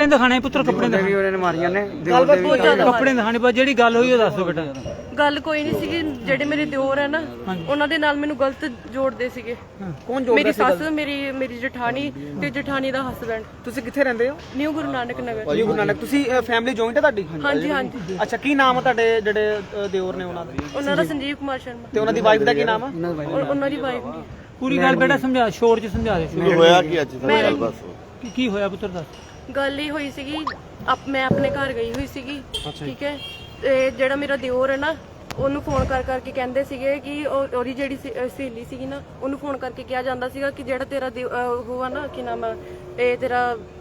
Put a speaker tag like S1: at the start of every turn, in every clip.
S1: ਦਿਖਾਣੇ ਪੁੱਤਰ ਕੱਪੜੇ
S2: ਵੀ ਉਹਨਾਂ ਨੇ ਮਾਰੀਆਂ ਨੇ
S1: ਕੱਪੜੇ ਦਿਖਾਣੇ ਬਸ ਜਿਹੜੀ ਗੱਲ ਹੋਈ ਉਹ ਦੱਸ ਦਿਓ ਬੇਟਾ।
S3: ਗੱਲ ਕੋਈ ਨਹੀਂ ਸੀਗੀ, ਜਿਹੜੇ ਮੇਰੇ ਦਿਓਰ ਹੈ ਨਾ ਉਹਨਾਂ ਦੇ ਨਾਲ ਮੈਨੂੰ ਗਲਤ ਜੋੜਦੇ ਸੀਗੇ।
S2: ਕੌਣ ਜੋੜਦਾ?
S3: ਮੇਰੀ ਸੱਸ, ਮੇਰੀ ਜਠਾਣੀ ਤੇ ਜਠਾਣੀ ਦਾ ਹਸਬੈਂਡ।
S2: ਤੁਸੀਂ ਕਿੱਥੇ ਰਹਿੰਦੇ ਹੋ?
S3: ਨਿਊ ਗੁਰੂ ਨਾਨਕ ਨਗਰ।
S2: ਨਿਊ ਗੁਰੂ ਨਾਨਕ। ਤੁਸੀਂ ਫੈਮਿਲੀ ਜੁਆਇੰਟ ਹੈ ਤੁਹਾਡੀ?
S3: ਹਾਂਜੀ ਹਾਂਜੀ।
S2: ਅੱਛਾ, ਕੀ ਨਾਮ ਹੈ ਤੁਹਾਡੇ ਜਿਹੜੇ ਦਿਓਰ ਨੇ ਉਹਨਾਂ ਦਾ?
S3: ਉਹਨਾਂ ਦਾ ਸੰਜੀਵ ਕੁਮਾਰ ਸ਼ਰਮਾ।
S2: ਤੇ ਉਹਨਾਂ ਦੀ ਵਾਈਫ ਦਾ ਕੀ ਨਾਮ ਹੈ?
S3: ਉਹਨਾਂ ਦੀ ਵਾਈਫ ਨਹੀਂ।
S1: ਪੂਰੀ ਗੱਲ ਬੇਟਾ ਸਮਝਾ, ਸ਼ੋਰ ਚ ਸਮਝਾ ਦੇ।
S4: ਹੋਇਆ ਕੀ ਅੱਜ ਗੱਲ ਬਸ
S1: ਕੀ ਹੋਇਆ ਪੁੱਤਰ ਦੱਸ।
S3: ਗੱਲ ਹੀ ਹੋਈ ਸੀਗੀ, ਮੈਂ ਆਪਣੇ ਘਰ ਗਈ ਹੋਈ ਸੀਗੀ, ਠੀਕ ਹੈ। ਤੇ ਜਿਹੜਾ ਮੇਰਾ ਦਿਓਰ ਹੈ ਨਾ, ਉਹਨੂੰ ਫੋਨ ਕਰਕੇ ਕਹਿੰਦੇ ਸੀਗੇ ਕਿ ਉਹਦੀ ਜਿਹੜੀ ਸਹੇਲੀ ਸੀਗੀ ਨਾ, ਉਹਨੂੰ ਫੋਨ ਕਰਕੇ ਕਿਹਾ ਜਾਂਦਾ ਸੀਗਾ ਕਿ ਜਿਹੜਾ ਤੇਰਾ ਉਹ ਆ ਨਾ, ਕੀ ਨਾਮ ਆ, ਇਹ ਤੇਰਾ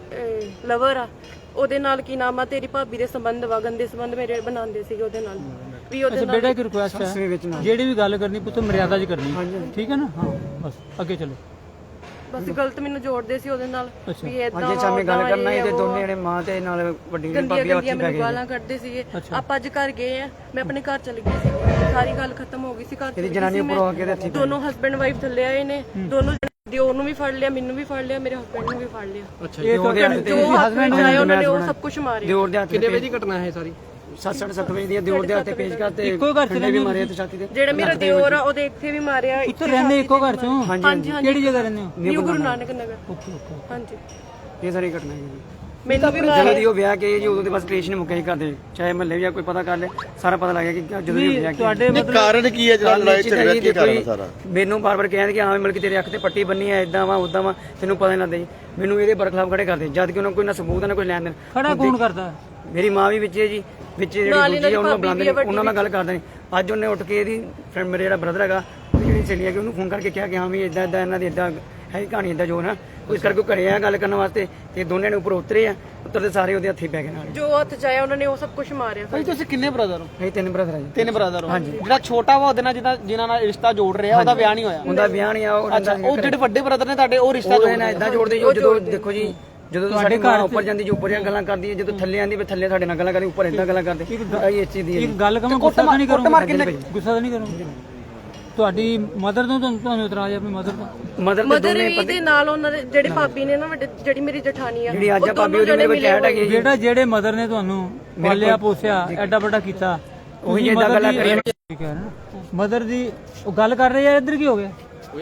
S3: ਲਵਰ ਆ, ਉਹਦੇ ਨਾਲ ਕੀ ਨਾਮ ਆ, ਤੇਰੀ ਭਾਬੀ ਦੇ ਸੰਬੰਧ ਵਾ, ਗੰਦੇ ਸੰਬੰਧ ਮੇਰੇ ਬਣਾਉਂਦੇ ਸੀਗੇ ਉਹਦੇ ਨਾਲ ਵੀ। ਉਹਦੇ ਨਾਲ
S1: ਬੇਟਾ ਇੱਕ ਰਿਕੁਐਸਟ ਹੈ, ਜਿਹੜੀ ਵੀ ਗੱਲ ਕਰਨੀ ਪੁੱਤ ਮਰਿਆਦਾ 'ਚ ਕਰਨੀ, ਠੀਕ ਹੈ ਨਾ? ਹਾਂ ਬਸ ਅੱਗੇ ਚਲੋ।
S3: ਬਸ ਗਲਤ ਮੈਨੂੰ ਜੋੜਦੇ ਸੀ ਉਹਦੇ ਨਾਲ ਵੀ ਇਦਾਂ
S2: ਅੱਜ ਸਾਹਮਣੇ ਗੱਲ ਕਰਨਾ ਹੀ ਤੇ ਦੋਨੇ ਜਣੇ ਮਾਂ ਤੇ ਨਾਲ ਵੱਡੀ ਭਾਬੀ ਉੱਥੇ ਬੈ ਗਏ।
S3: ਗਾਲਾਂ ਕੱਢਦੇ ਸੀਗੇ। ਆਪਾਂ ਅੱਜ ਘਰ ਗਏ ਆ, ਮੈਂ ਆਪਣੇ ਘਰ ਚਲੀ ਗਈ ਸੀ, ਸਾਰੀ ਗੱਲ ਖਤਮ ਹੋ ਗਈ ਸੀ। ਘਰ
S2: ਇਹਦੀ ਜਨਾਨੀ ਉੱਪਰ ਆ ਕੇ ਤੇ
S3: ਦੋਨੋਂ ਹਸਬੈਂਡ ਵਾਈਫ ਥੱਲੇ ਆਏ ਨੇ, ਦੋਨੋਂ ਦਿਓਰ ਨੂੰ ਵੀ ਫੜ ਲਿਆ, ਮੈਨੂੰ ਵੀ ਫੜ ਲਿਆ, ਮੇਰੇ ਹਸਬੈਂਡ ਨੂੰ ਵੀ ਫੜ ਲਿਆ।
S2: ਅੱਛਾ, ਜੋ
S3: ਹਸਬੈਂਡ ਆਏ ਉਹਨਾਂ ਨੇ ਉਹ ਸਭ ਕੁਝ ਮਾਰਿਆ।
S2: ਦਿਓਰ ਦੇ ਹੱਥ ਕਿੰਨੇ ਵਜੇ ਦੀ ਘਟਨਾ ਹੈ ਸਾਰੀ? 7:30 ਵਜੇ ਦੀ। ਦਿਓਰ ਦੇ ਹੱਥ ਤੇ ਪੇਚ ਕਰਤੇ,
S1: ਇੱਕੋ ਘਰ ਚ
S2: ਵੀ ਮਾਰਿਆ ਤੇ ਛਾਤੀ ਤੇ।
S3: ਜਿਹੜਾ ਮੇਰਾ ਦਿਓਰ ਆ ਉਹਦੇ ਇੱਥੇ ਵੀ ਮਾਰਿਆ।
S1: ਇੱਥੇ ਰਹਿੰਦੇ ਇੱਕੋ ਘਰ ਚੋਂ?
S3: ਹਾਂਜੀ।
S1: ਕਿਹੜੀ ਜਗ੍ਹਾ ਰਹਿੰਦੇ ਹੋ?
S3: ਨਿਊ ਗੁਰੂ ਨਾਨਕ ਨਗਰ। ਹਾਂਜੀ,
S2: ਇਹ ਸਾਰੀ ਘਟਨਾ ਹੈ ਜੀ।
S3: ਮੈਨੂੰ ਵੀ
S2: ਜਦੋਂ ਦੀ ਉਹ ਵਿਆਹ ਕੇ ਜੀ, ਉਦੋਂ ਦੇ ਬਸ ਕਲੇਸ਼ ਨਹੀਂ ਮੁੱਕਿਆ ਹੀ ਕਰਦੇ, ਚਾਹੇ ਮਹੱਲੇ ਵੀ ਕੋਈ ਪਤਾ ਕਰ ਲੈ, ਸਾਰਾ ਪਤਾ ਲੱਗ ਗਿਆ ਕਿ ਜਦੋਂ ਦੀ ਵਿਆਹ
S1: ਤੁਹਾਡੇ
S4: ਕਾਰਨ ਕੀ ਹੈ ਜਿਹੜਾ ਲੜਾਈ ਝਗੜਾ ਕੀ ਕਾਰਨ ਸਾਰਾ?
S2: ਮੈਨੂੰ ਬਾਰ-ਬਾਰ ਕਹਿੰਦੇ ਕਿ ਹਾਂ ਮਤਲਬ ਕਿ ਤੇਰੇ ਅੱਖ ਤੇ ਪੱਟੀ ਬੰਨੀ ਹੈ, ਇਦਾਂ ਵਾ ਉਦਾਂ ਵਾ, ਤੈਨੂੰ ਪਤਾ ਨਹੀਂ ਲੱਗਦਾ ਜੀ। ਮੈਨੂੰ ਇਹਦੇ ਬਰਖਲਾਫ ਖੜੇ ਕਰਦੇ, ਜਦ ਕਿ ਉਹਨਾਂ ਕੋਈ ਨਾ ਸਬੂਤ ਹੈ ਨਾ ਕੋਈ ਲੈਣ ਦੇਣ।
S1: ਖੜਾ ਕੌਣ ਕਰਦਾ?
S2: ਮੇਰੀ ਮਾਂ ਵੀ ਵਿੱਚ ਹੈ ਜੀ, ਵਿੱਚ ਜਿਹੜੀ ਦੂਜੀ ਉਹਨੂੰ ਬੁਲਾਉਂਦੇ ਨੇ, ਉਹਨਾਂ ਨਾਲ ਗੱਲ ਕਰਦੇ ਨੇ। ਅੱਜ ਉਹਨੇ ਉੱਠ ਕੇ ਇਹਦੀ ਫਰੈਂਡ, ਮੇਰੇ ਜਿਹੜਾ ਬ੍ਰਦਰ ਹੈਗਾ, ਜਿਹੜੀ ਸਹੇਲੀ ਹੈਗੀ, ਉਹਨੂੰ ਫੋਨ ਕਰਕੇ ਕਿਹਾ ਕਿ ਹਾਂ ਵੀ ਇਦਾਂ ਇਹਨਾਂ ਦੀ ਇਦਾਂ ਹੈ ਕਹਾਣੀ, ਇਦਾਂ ਜੋ ਨਾ ਇਸ ਕਰਕੇ ਉਹ ਘਰੇ ਆ ਗੱਲ ਕਰਨ ਵਾਸਤੇ, ਤੇ ਦੋਨਿਆਂ ਨੇ ਉੱਪਰ ਉਤਰੇ ਆ, ਉੱਤਰਦੇ ਸਾਰੇ ਉਹਦੇ ਹੱਥੀ ਪੈ ਗਏ ਨਾਲ।
S3: ਜੋ ਹੱਥ ਚਾਇਆ ਉਹਨਾਂ ਨੇ ਉਹ ਸਭ ਕੁਝ ਮਾਰਿਆ।
S2: ਭਾਈ ਤੁਸੀਂ ਕਿੰਨੇ ਬ੍ਰਦਰ ਹੋ? ਅਸੀਂ 3 ਬ੍ਰਦਰ ਆ ਜੀ।
S5: 3 ਬ੍ਰਦਰ ਹੋ? ਹਾਂਜੀ। ਜਿਹੜਾ ਛੋਟਾ ਵਾ ਉਹਦੇ ਨਾਲ ਜਿਨ੍ਹਾਂ ਨਾਲ ਰਿਸ਼ਤਾ ਜੋੜ ਰਿਹਾ, ਉਹਦਾ ਵਿਆਹ ਨਹੀਂ ਹੋਇਆ?
S2: ਉਹਦਾ ਵਿਆਹ ਨਹੀਂ ਆ।
S5: ਉਹ ਜਿਹੜੇ ਵੱਡੇ ਬ੍ਰਦਰ ਨੇ ਤੁਹਾਡੇ, ਉਹ ਰਿਸ਼ਤਾ ਜੋੜ
S2: ਰਹੇ ਇਦਾਂ ਜੋੜਦੇ ਜੋ। ਜਦੋਂ ਦੇਖੋ ਜੀ, ਜਦੋਂ ਸਾਡੇ ਘਰ ਉੱਪਰ ਜਾਂਦੀ, ਜੋ ਉੱਪਰ ਦੀਆਂ ਗੱਲਾਂ ਕਰਦੀ ਹੈ, ਜਦੋਂ ਥੱਲੇ ਆਂਦੀ ਵੀ ਥੱਲੇ ਸਾਡੇ ਨਾਲ ਗੱਲਾਂ ਕਰਦੀ, ਉੱਪਰ ਇਦਾਂ ਗੱਲਾਂ ਕਰਦੇ। ਆਈ ਇਸ ਚੀਜ਼ ਦੀ
S1: ਇੱਕ ਗੱਲ ਕਹਾਂ, ਗੁੱਸਾ ਤਾਂ ਨਹੀਂ ਕਰੂੰਗਾ, ਗੁੱਸਾ ਤਾਂ ਨਹੀਂ ਕਰੂੰਗਾ। ਤੁਹਾਡੀ ਮਦਰ ਤੋਂ ਤੁਹਾਨੂੰ ਇਤਰਾਜ਼ ਹੈ? ਆਪਣੀ ਮਦਰ ਤੋਂ?
S3: ਮਦਰ ਵੀ ਦੇ ਨਾਲ ਉਹਨਾਂ ਦੇ ਜਿਹੜੇ ਭਾਬੀ ਨੇ ਨਾ, ਵੱਡੇ ਜਿਹੜੀ ਮੇਰੀ ਜਠਾਣੀ ਆ,
S2: ਜਿਹੜੀ ਅੱਜ ਭਾਬੀ ਉਹਦੇ ਮੇਰੇ ਬੱਚੇ ਹੈਟ ਹੈਗੇ।
S1: ਬੇਟਾ ਜਿਹੜੇ ਮਦਰ ਨੇ ਤੁਹਾਨੂੰ ਪਾਲਿਆ ਪੋਸਿਆ, ਐਡਾ ਵੱਡਾ ਕੀਤਾ,
S2: ਉਹੀ ਇਦਾਂ ਗੱਲਾਂ ਕਰੀ।
S1: ਠੀਕ ਹੈ ਨਾ? ਮਦਰ ਦੀ ਉਹ ਗੱਲ ਕਰ ਰਹੇ ਆ, ਇੱਧਰ ਕੀ ਹੋ ਗਿਆ?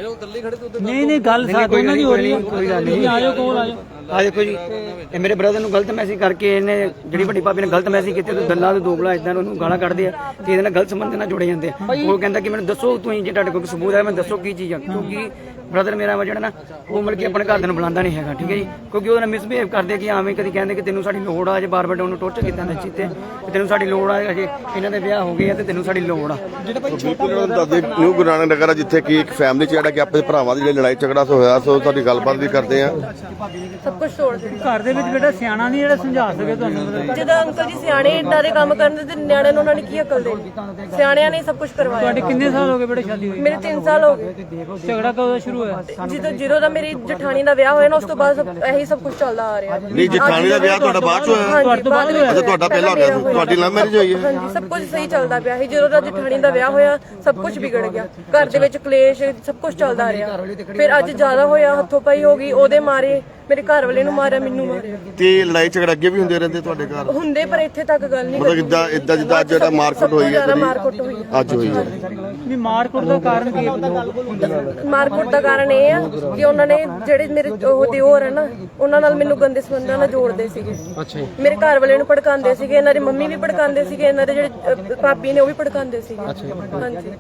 S1: ਨਹੀਂ ਗੱਲ ਸਾਥ ਉਹਨਾਂ ਦੀ ਹੋ ਰਹੀ ਹੈ।
S2: ਕੋਈ ਗੱਲ ਨਹੀਂ,
S1: ਆ ਜਾਓ ਕੋਲ ਆ ਜਾਓ।
S2: ਆ ਦੇਖੋ ਜੀ, ਇਹ ਮੇਰੇ ਬ੍ਰਦਰ ਨੂੰ ਗਲਤ ਮੈਸੇਜ ਕਰਕੇ ਇਹਨੇ, ਜਿਹੜੀ ਵੱਡੀ ਭਾਬੀ ਨੇ ਗਲਤ ਮੈਸੇਜ ਕੀਤੇ, ਤੇ ਗੱਲਾਂ ਦੇ ਦੋਗਲਾ ਇਦਾਂ ਉਹਨੂੰ ਗਾਲਾਂ ਕੱਢਦੇ ਆ, ਤੇ ਇਹਦੇ ਨਾਲ ਗਲਤ ਸੰਬੰਧ ਨਾਲ ਜੁੜੇ ਜਾਂਦੇ ਆ। ਉਹ ਕਹਿੰਦਾ ਕਿ ਮੈਨੂੰ ਦੱਸੋ ਤੁਸੀਂ, ਜੇ ਤੁਹਾਡੇ ਕੋਲ ਸਬੂਤ ਹੈ, ਮੈਨੂੰ ਦੱਸੋ ਕੀ ਚੀਜ਼ ਆ। ਕਿਉਂਕਿ ਬ੍ਰਦਰ ਮੇਰਾ ਵਾ ਜਿਹੜਾ ਨਾ, ਉਹ ਮਤਲਬ ਕਿ ਆਪਣੇ ਘਰਦਿਆਂ ਨੂੰ ਬੁਲਾਉਂਦਾ ਨਹੀਂ ਹੈਗਾ, ਠੀਕ ਹੈ ਜੀ। ਕਿਉਂਕਿ ਉਹਦੇ ਨਾਲ ਮਿਸਬਿਹੇਵ ਕਰਦੇ ਕਿ ਆਵੇਂ ਕਦੀ ਕਹਿੰਦੇ ਕਿ ਤੈਨੂੰ ਸਾਡੀ ਲੋੜ ਆ, ਜੇ ਬਾਰ-ਬਾਰ ਉਹਨੂੰ ਟੋਰਚਰ ਕੀਤਾ ਨਾ ਚੀਤੇ, ਤੈਨੂੰ ਸਾਡੀ ਲੋੜ ਆ, ਅਜੇ ਇਹਨਾਂ ਦੇ ਵਿਆਹ ਹੋ ਗਏ ਆ ਤੇ ਤੈਨੂੰ ਸਾਡੀ ਲੋੜ ਆ।
S4: ਬਿਲਕੁਲ ਉਹਨਾਂ ਨੂੰ ਦੱਸਦੇ ਨਿਊ ਗੁਰੂ ਨਾਨਕ ਨਗਰ ਜਿੱਥੇ ਕਿ ਇੱਕ ਫੈਮਿਲੀ 'ਚ ਜਿਹੜਾ ਕਿ ਆਪਣੇ ਭਰਾਵਾਂ ਦੀ ਜਿਹੜੀ ਲੜਾਈ ਝਗੜਾ ਹੋਇਆ, ਸੋ ਤੁਹਾਡੀ ਗੱਲਬਾਤ ਵੀ ਕਰਦੇ ਆ।
S3: ਸਭ ਕੁਝ ਤੋੜ ਦਿੱਤਾ।
S1: ਘਰ ਦੇ ਵਿੱਚ ਬੇਟਾ ਸਿਆਣਾ ਨਹੀਂ ਜਿਹੜਾ ਸਮਝਾ ਸਕੇ ਤੁਹਾਨੂੰ?
S3: ਜਦੋਂ ਅੰਕਲ ਜੀ ਸਿਆਣੇ ਏਦਾਂ ਦੇ ਕੰਮ ਕਰਦੇ ਤੇ ਨਿਆਣਿਆਂ ਨੂੰ ਉਹਨਾਂ ਨੇ ਕੀ ਅਕਲ ਦੇਣੀ? ਸਿਆਣਿਆਂ ਨੇ ਸਭ ਕੁਝ ਕਰਵਾਇਆ।
S1: ਤੁਹਾਡੇ ਕਿੰਨੇ ਸਾਲ ਹੋ ਗਏ ਬੇਟਾ ਸ਼ਾਦੀ ਹੋਈ?
S3: ਮੇਰੇ 3 ਸਾਲ ਹੋ ਗਏ।
S1: ਝਗੜਾ ਕਦੋਂ ਸ਼ੁਰੂ ਹੋਇਆ?
S3: ਜਦੋਂ ਦਾ ਮੇਰੀ ਜਠਾਣੀ ਦਾ ਵਿਆਹ ਹੋਇਆ ਨਾ, ਉਸ ਤੋਂ ਬਾਅਦ ਇਹੀ ਸਭ ਕੁਝ ਚੱਲਦਾ ਆ ਰਿਹਾ।
S4: ਨਹੀਂ, ਜਠਾਣੀ ਦਾ ਵਿਆਹ ਤੁਹਾਡਾ ਬਾਅਦ 'ਚ ਹੋਇਆ?
S3: ਤੁਹਾਡੇ ਤੋਂ ਬਾਅਦ ਹੋਇਆ?
S4: ਅੱਛਾ, ਤੁਹਾਡਾ ਪਹਿਲਾਂ ਹੋ ਗਿਆ ਸੀ। ਤੁਹਾਡੀ ਲਵ ਮੈਰਿਜ ਹੋਈ ਹੈ?
S3: ਹਾਂਜੀ, ਸਭ ਕੁਝ ਸਹੀ ਚੱਲਦਾ ਪਿਆ ਸੀ। ਜਦੋਂ ਦਾ ਜਠਾਣੀ ਦਾ ਵਿਆਹ ਹੋਇਆ, ਸਭ ਕੁਝ ਵਿਗੜ ਗਿਆ। ਘਰ ਦੇ ਵਿੱਚ ਕਲੇਸ਼, ਸਭ ਕੁਝ ਚੱਲਦਾ ਰਿਹਾ। ਫਿਰ ਅੱਜ ਜ਼ਿਆਦਾ ਹੋਇਆ, ਹੱਥੋਂ ਪਾਈ ਹੋ ਗਈ, ਉਹਦੇ ਮਾਰੇ, ਮੇਰੇ ਘਰ ਵਾਲੇ ਨੂੰ ਮਾਰਿਆ, ਮੈਨੂੰ ਮਾਰਿਆ।
S4: ਤੇ ਲੜਾਈ ਝਗੜਾ ਅੱਗੇ ਵੀ ਹੁੰਦੇ ਰਹਿੰਦੇ ਤੁਹਾਡੇ ਘਰ?
S3: ਹੁੰਦੇ, ਪਰ ਇੱਥੇ ਤੱਕ ਗੱਲ ਨਹੀਂ।
S4: ਮਤਲਬ ਇਦਾਂ ਜਿੱਦਾਂ ਅੱਜ ਜਿਹੜਾ ਮਾਰਕੁੱਟ ਹੋਈ ਹੈ,
S3: ਮਾਰਕੁੱਟ ਹੋਈ
S4: ਅੱਜ ਹੋਈ ਹੈ।
S1: ਨਹੀਂ, ਮਾਰਕੁੱਟ ਦਾ ਕਾਰਨ ਕੀ ਹੈ?
S3: ਮਾਰਕੁੱਟ ਦਾ ਕਾਰਨ ਇਹ ਆ ਕਿ ਉਹਨਾਂ ਨੇ, ਜਿਹੜੇ ਮੇਰੇ ਉਹ ਦਿਓਰ ਹੈ ਨਾ, ਉਹਨਾਂ ਨਾਲ ਮੈਨੂੰ ਗੰਦੇ ਸੰਬੰਧਾਂ ਨਾਲ ਜੋੜਦੇ ਸੀਗੇ। ਮੇਰੇ ਘਰ ਵਾਲੇ ਨੂੰ ਭੜਕਾਉਂਦੇ ਸੀਗੇ, ਇਹਨਾਂ ਦੀ ਮੰਮੀ ਵੀ ਭੜਕਾਉਂਦੇ ਸੀਗੇ, ਇਹਨਾਂ ਦੇ ਜਿਹੜੇ ਭਾਬੀ ਨੇ ਉਹ ਵੀ ਭੜਕਾਉਂਦੇ ਸੀਗੇ। ਹਾਂਜੀ,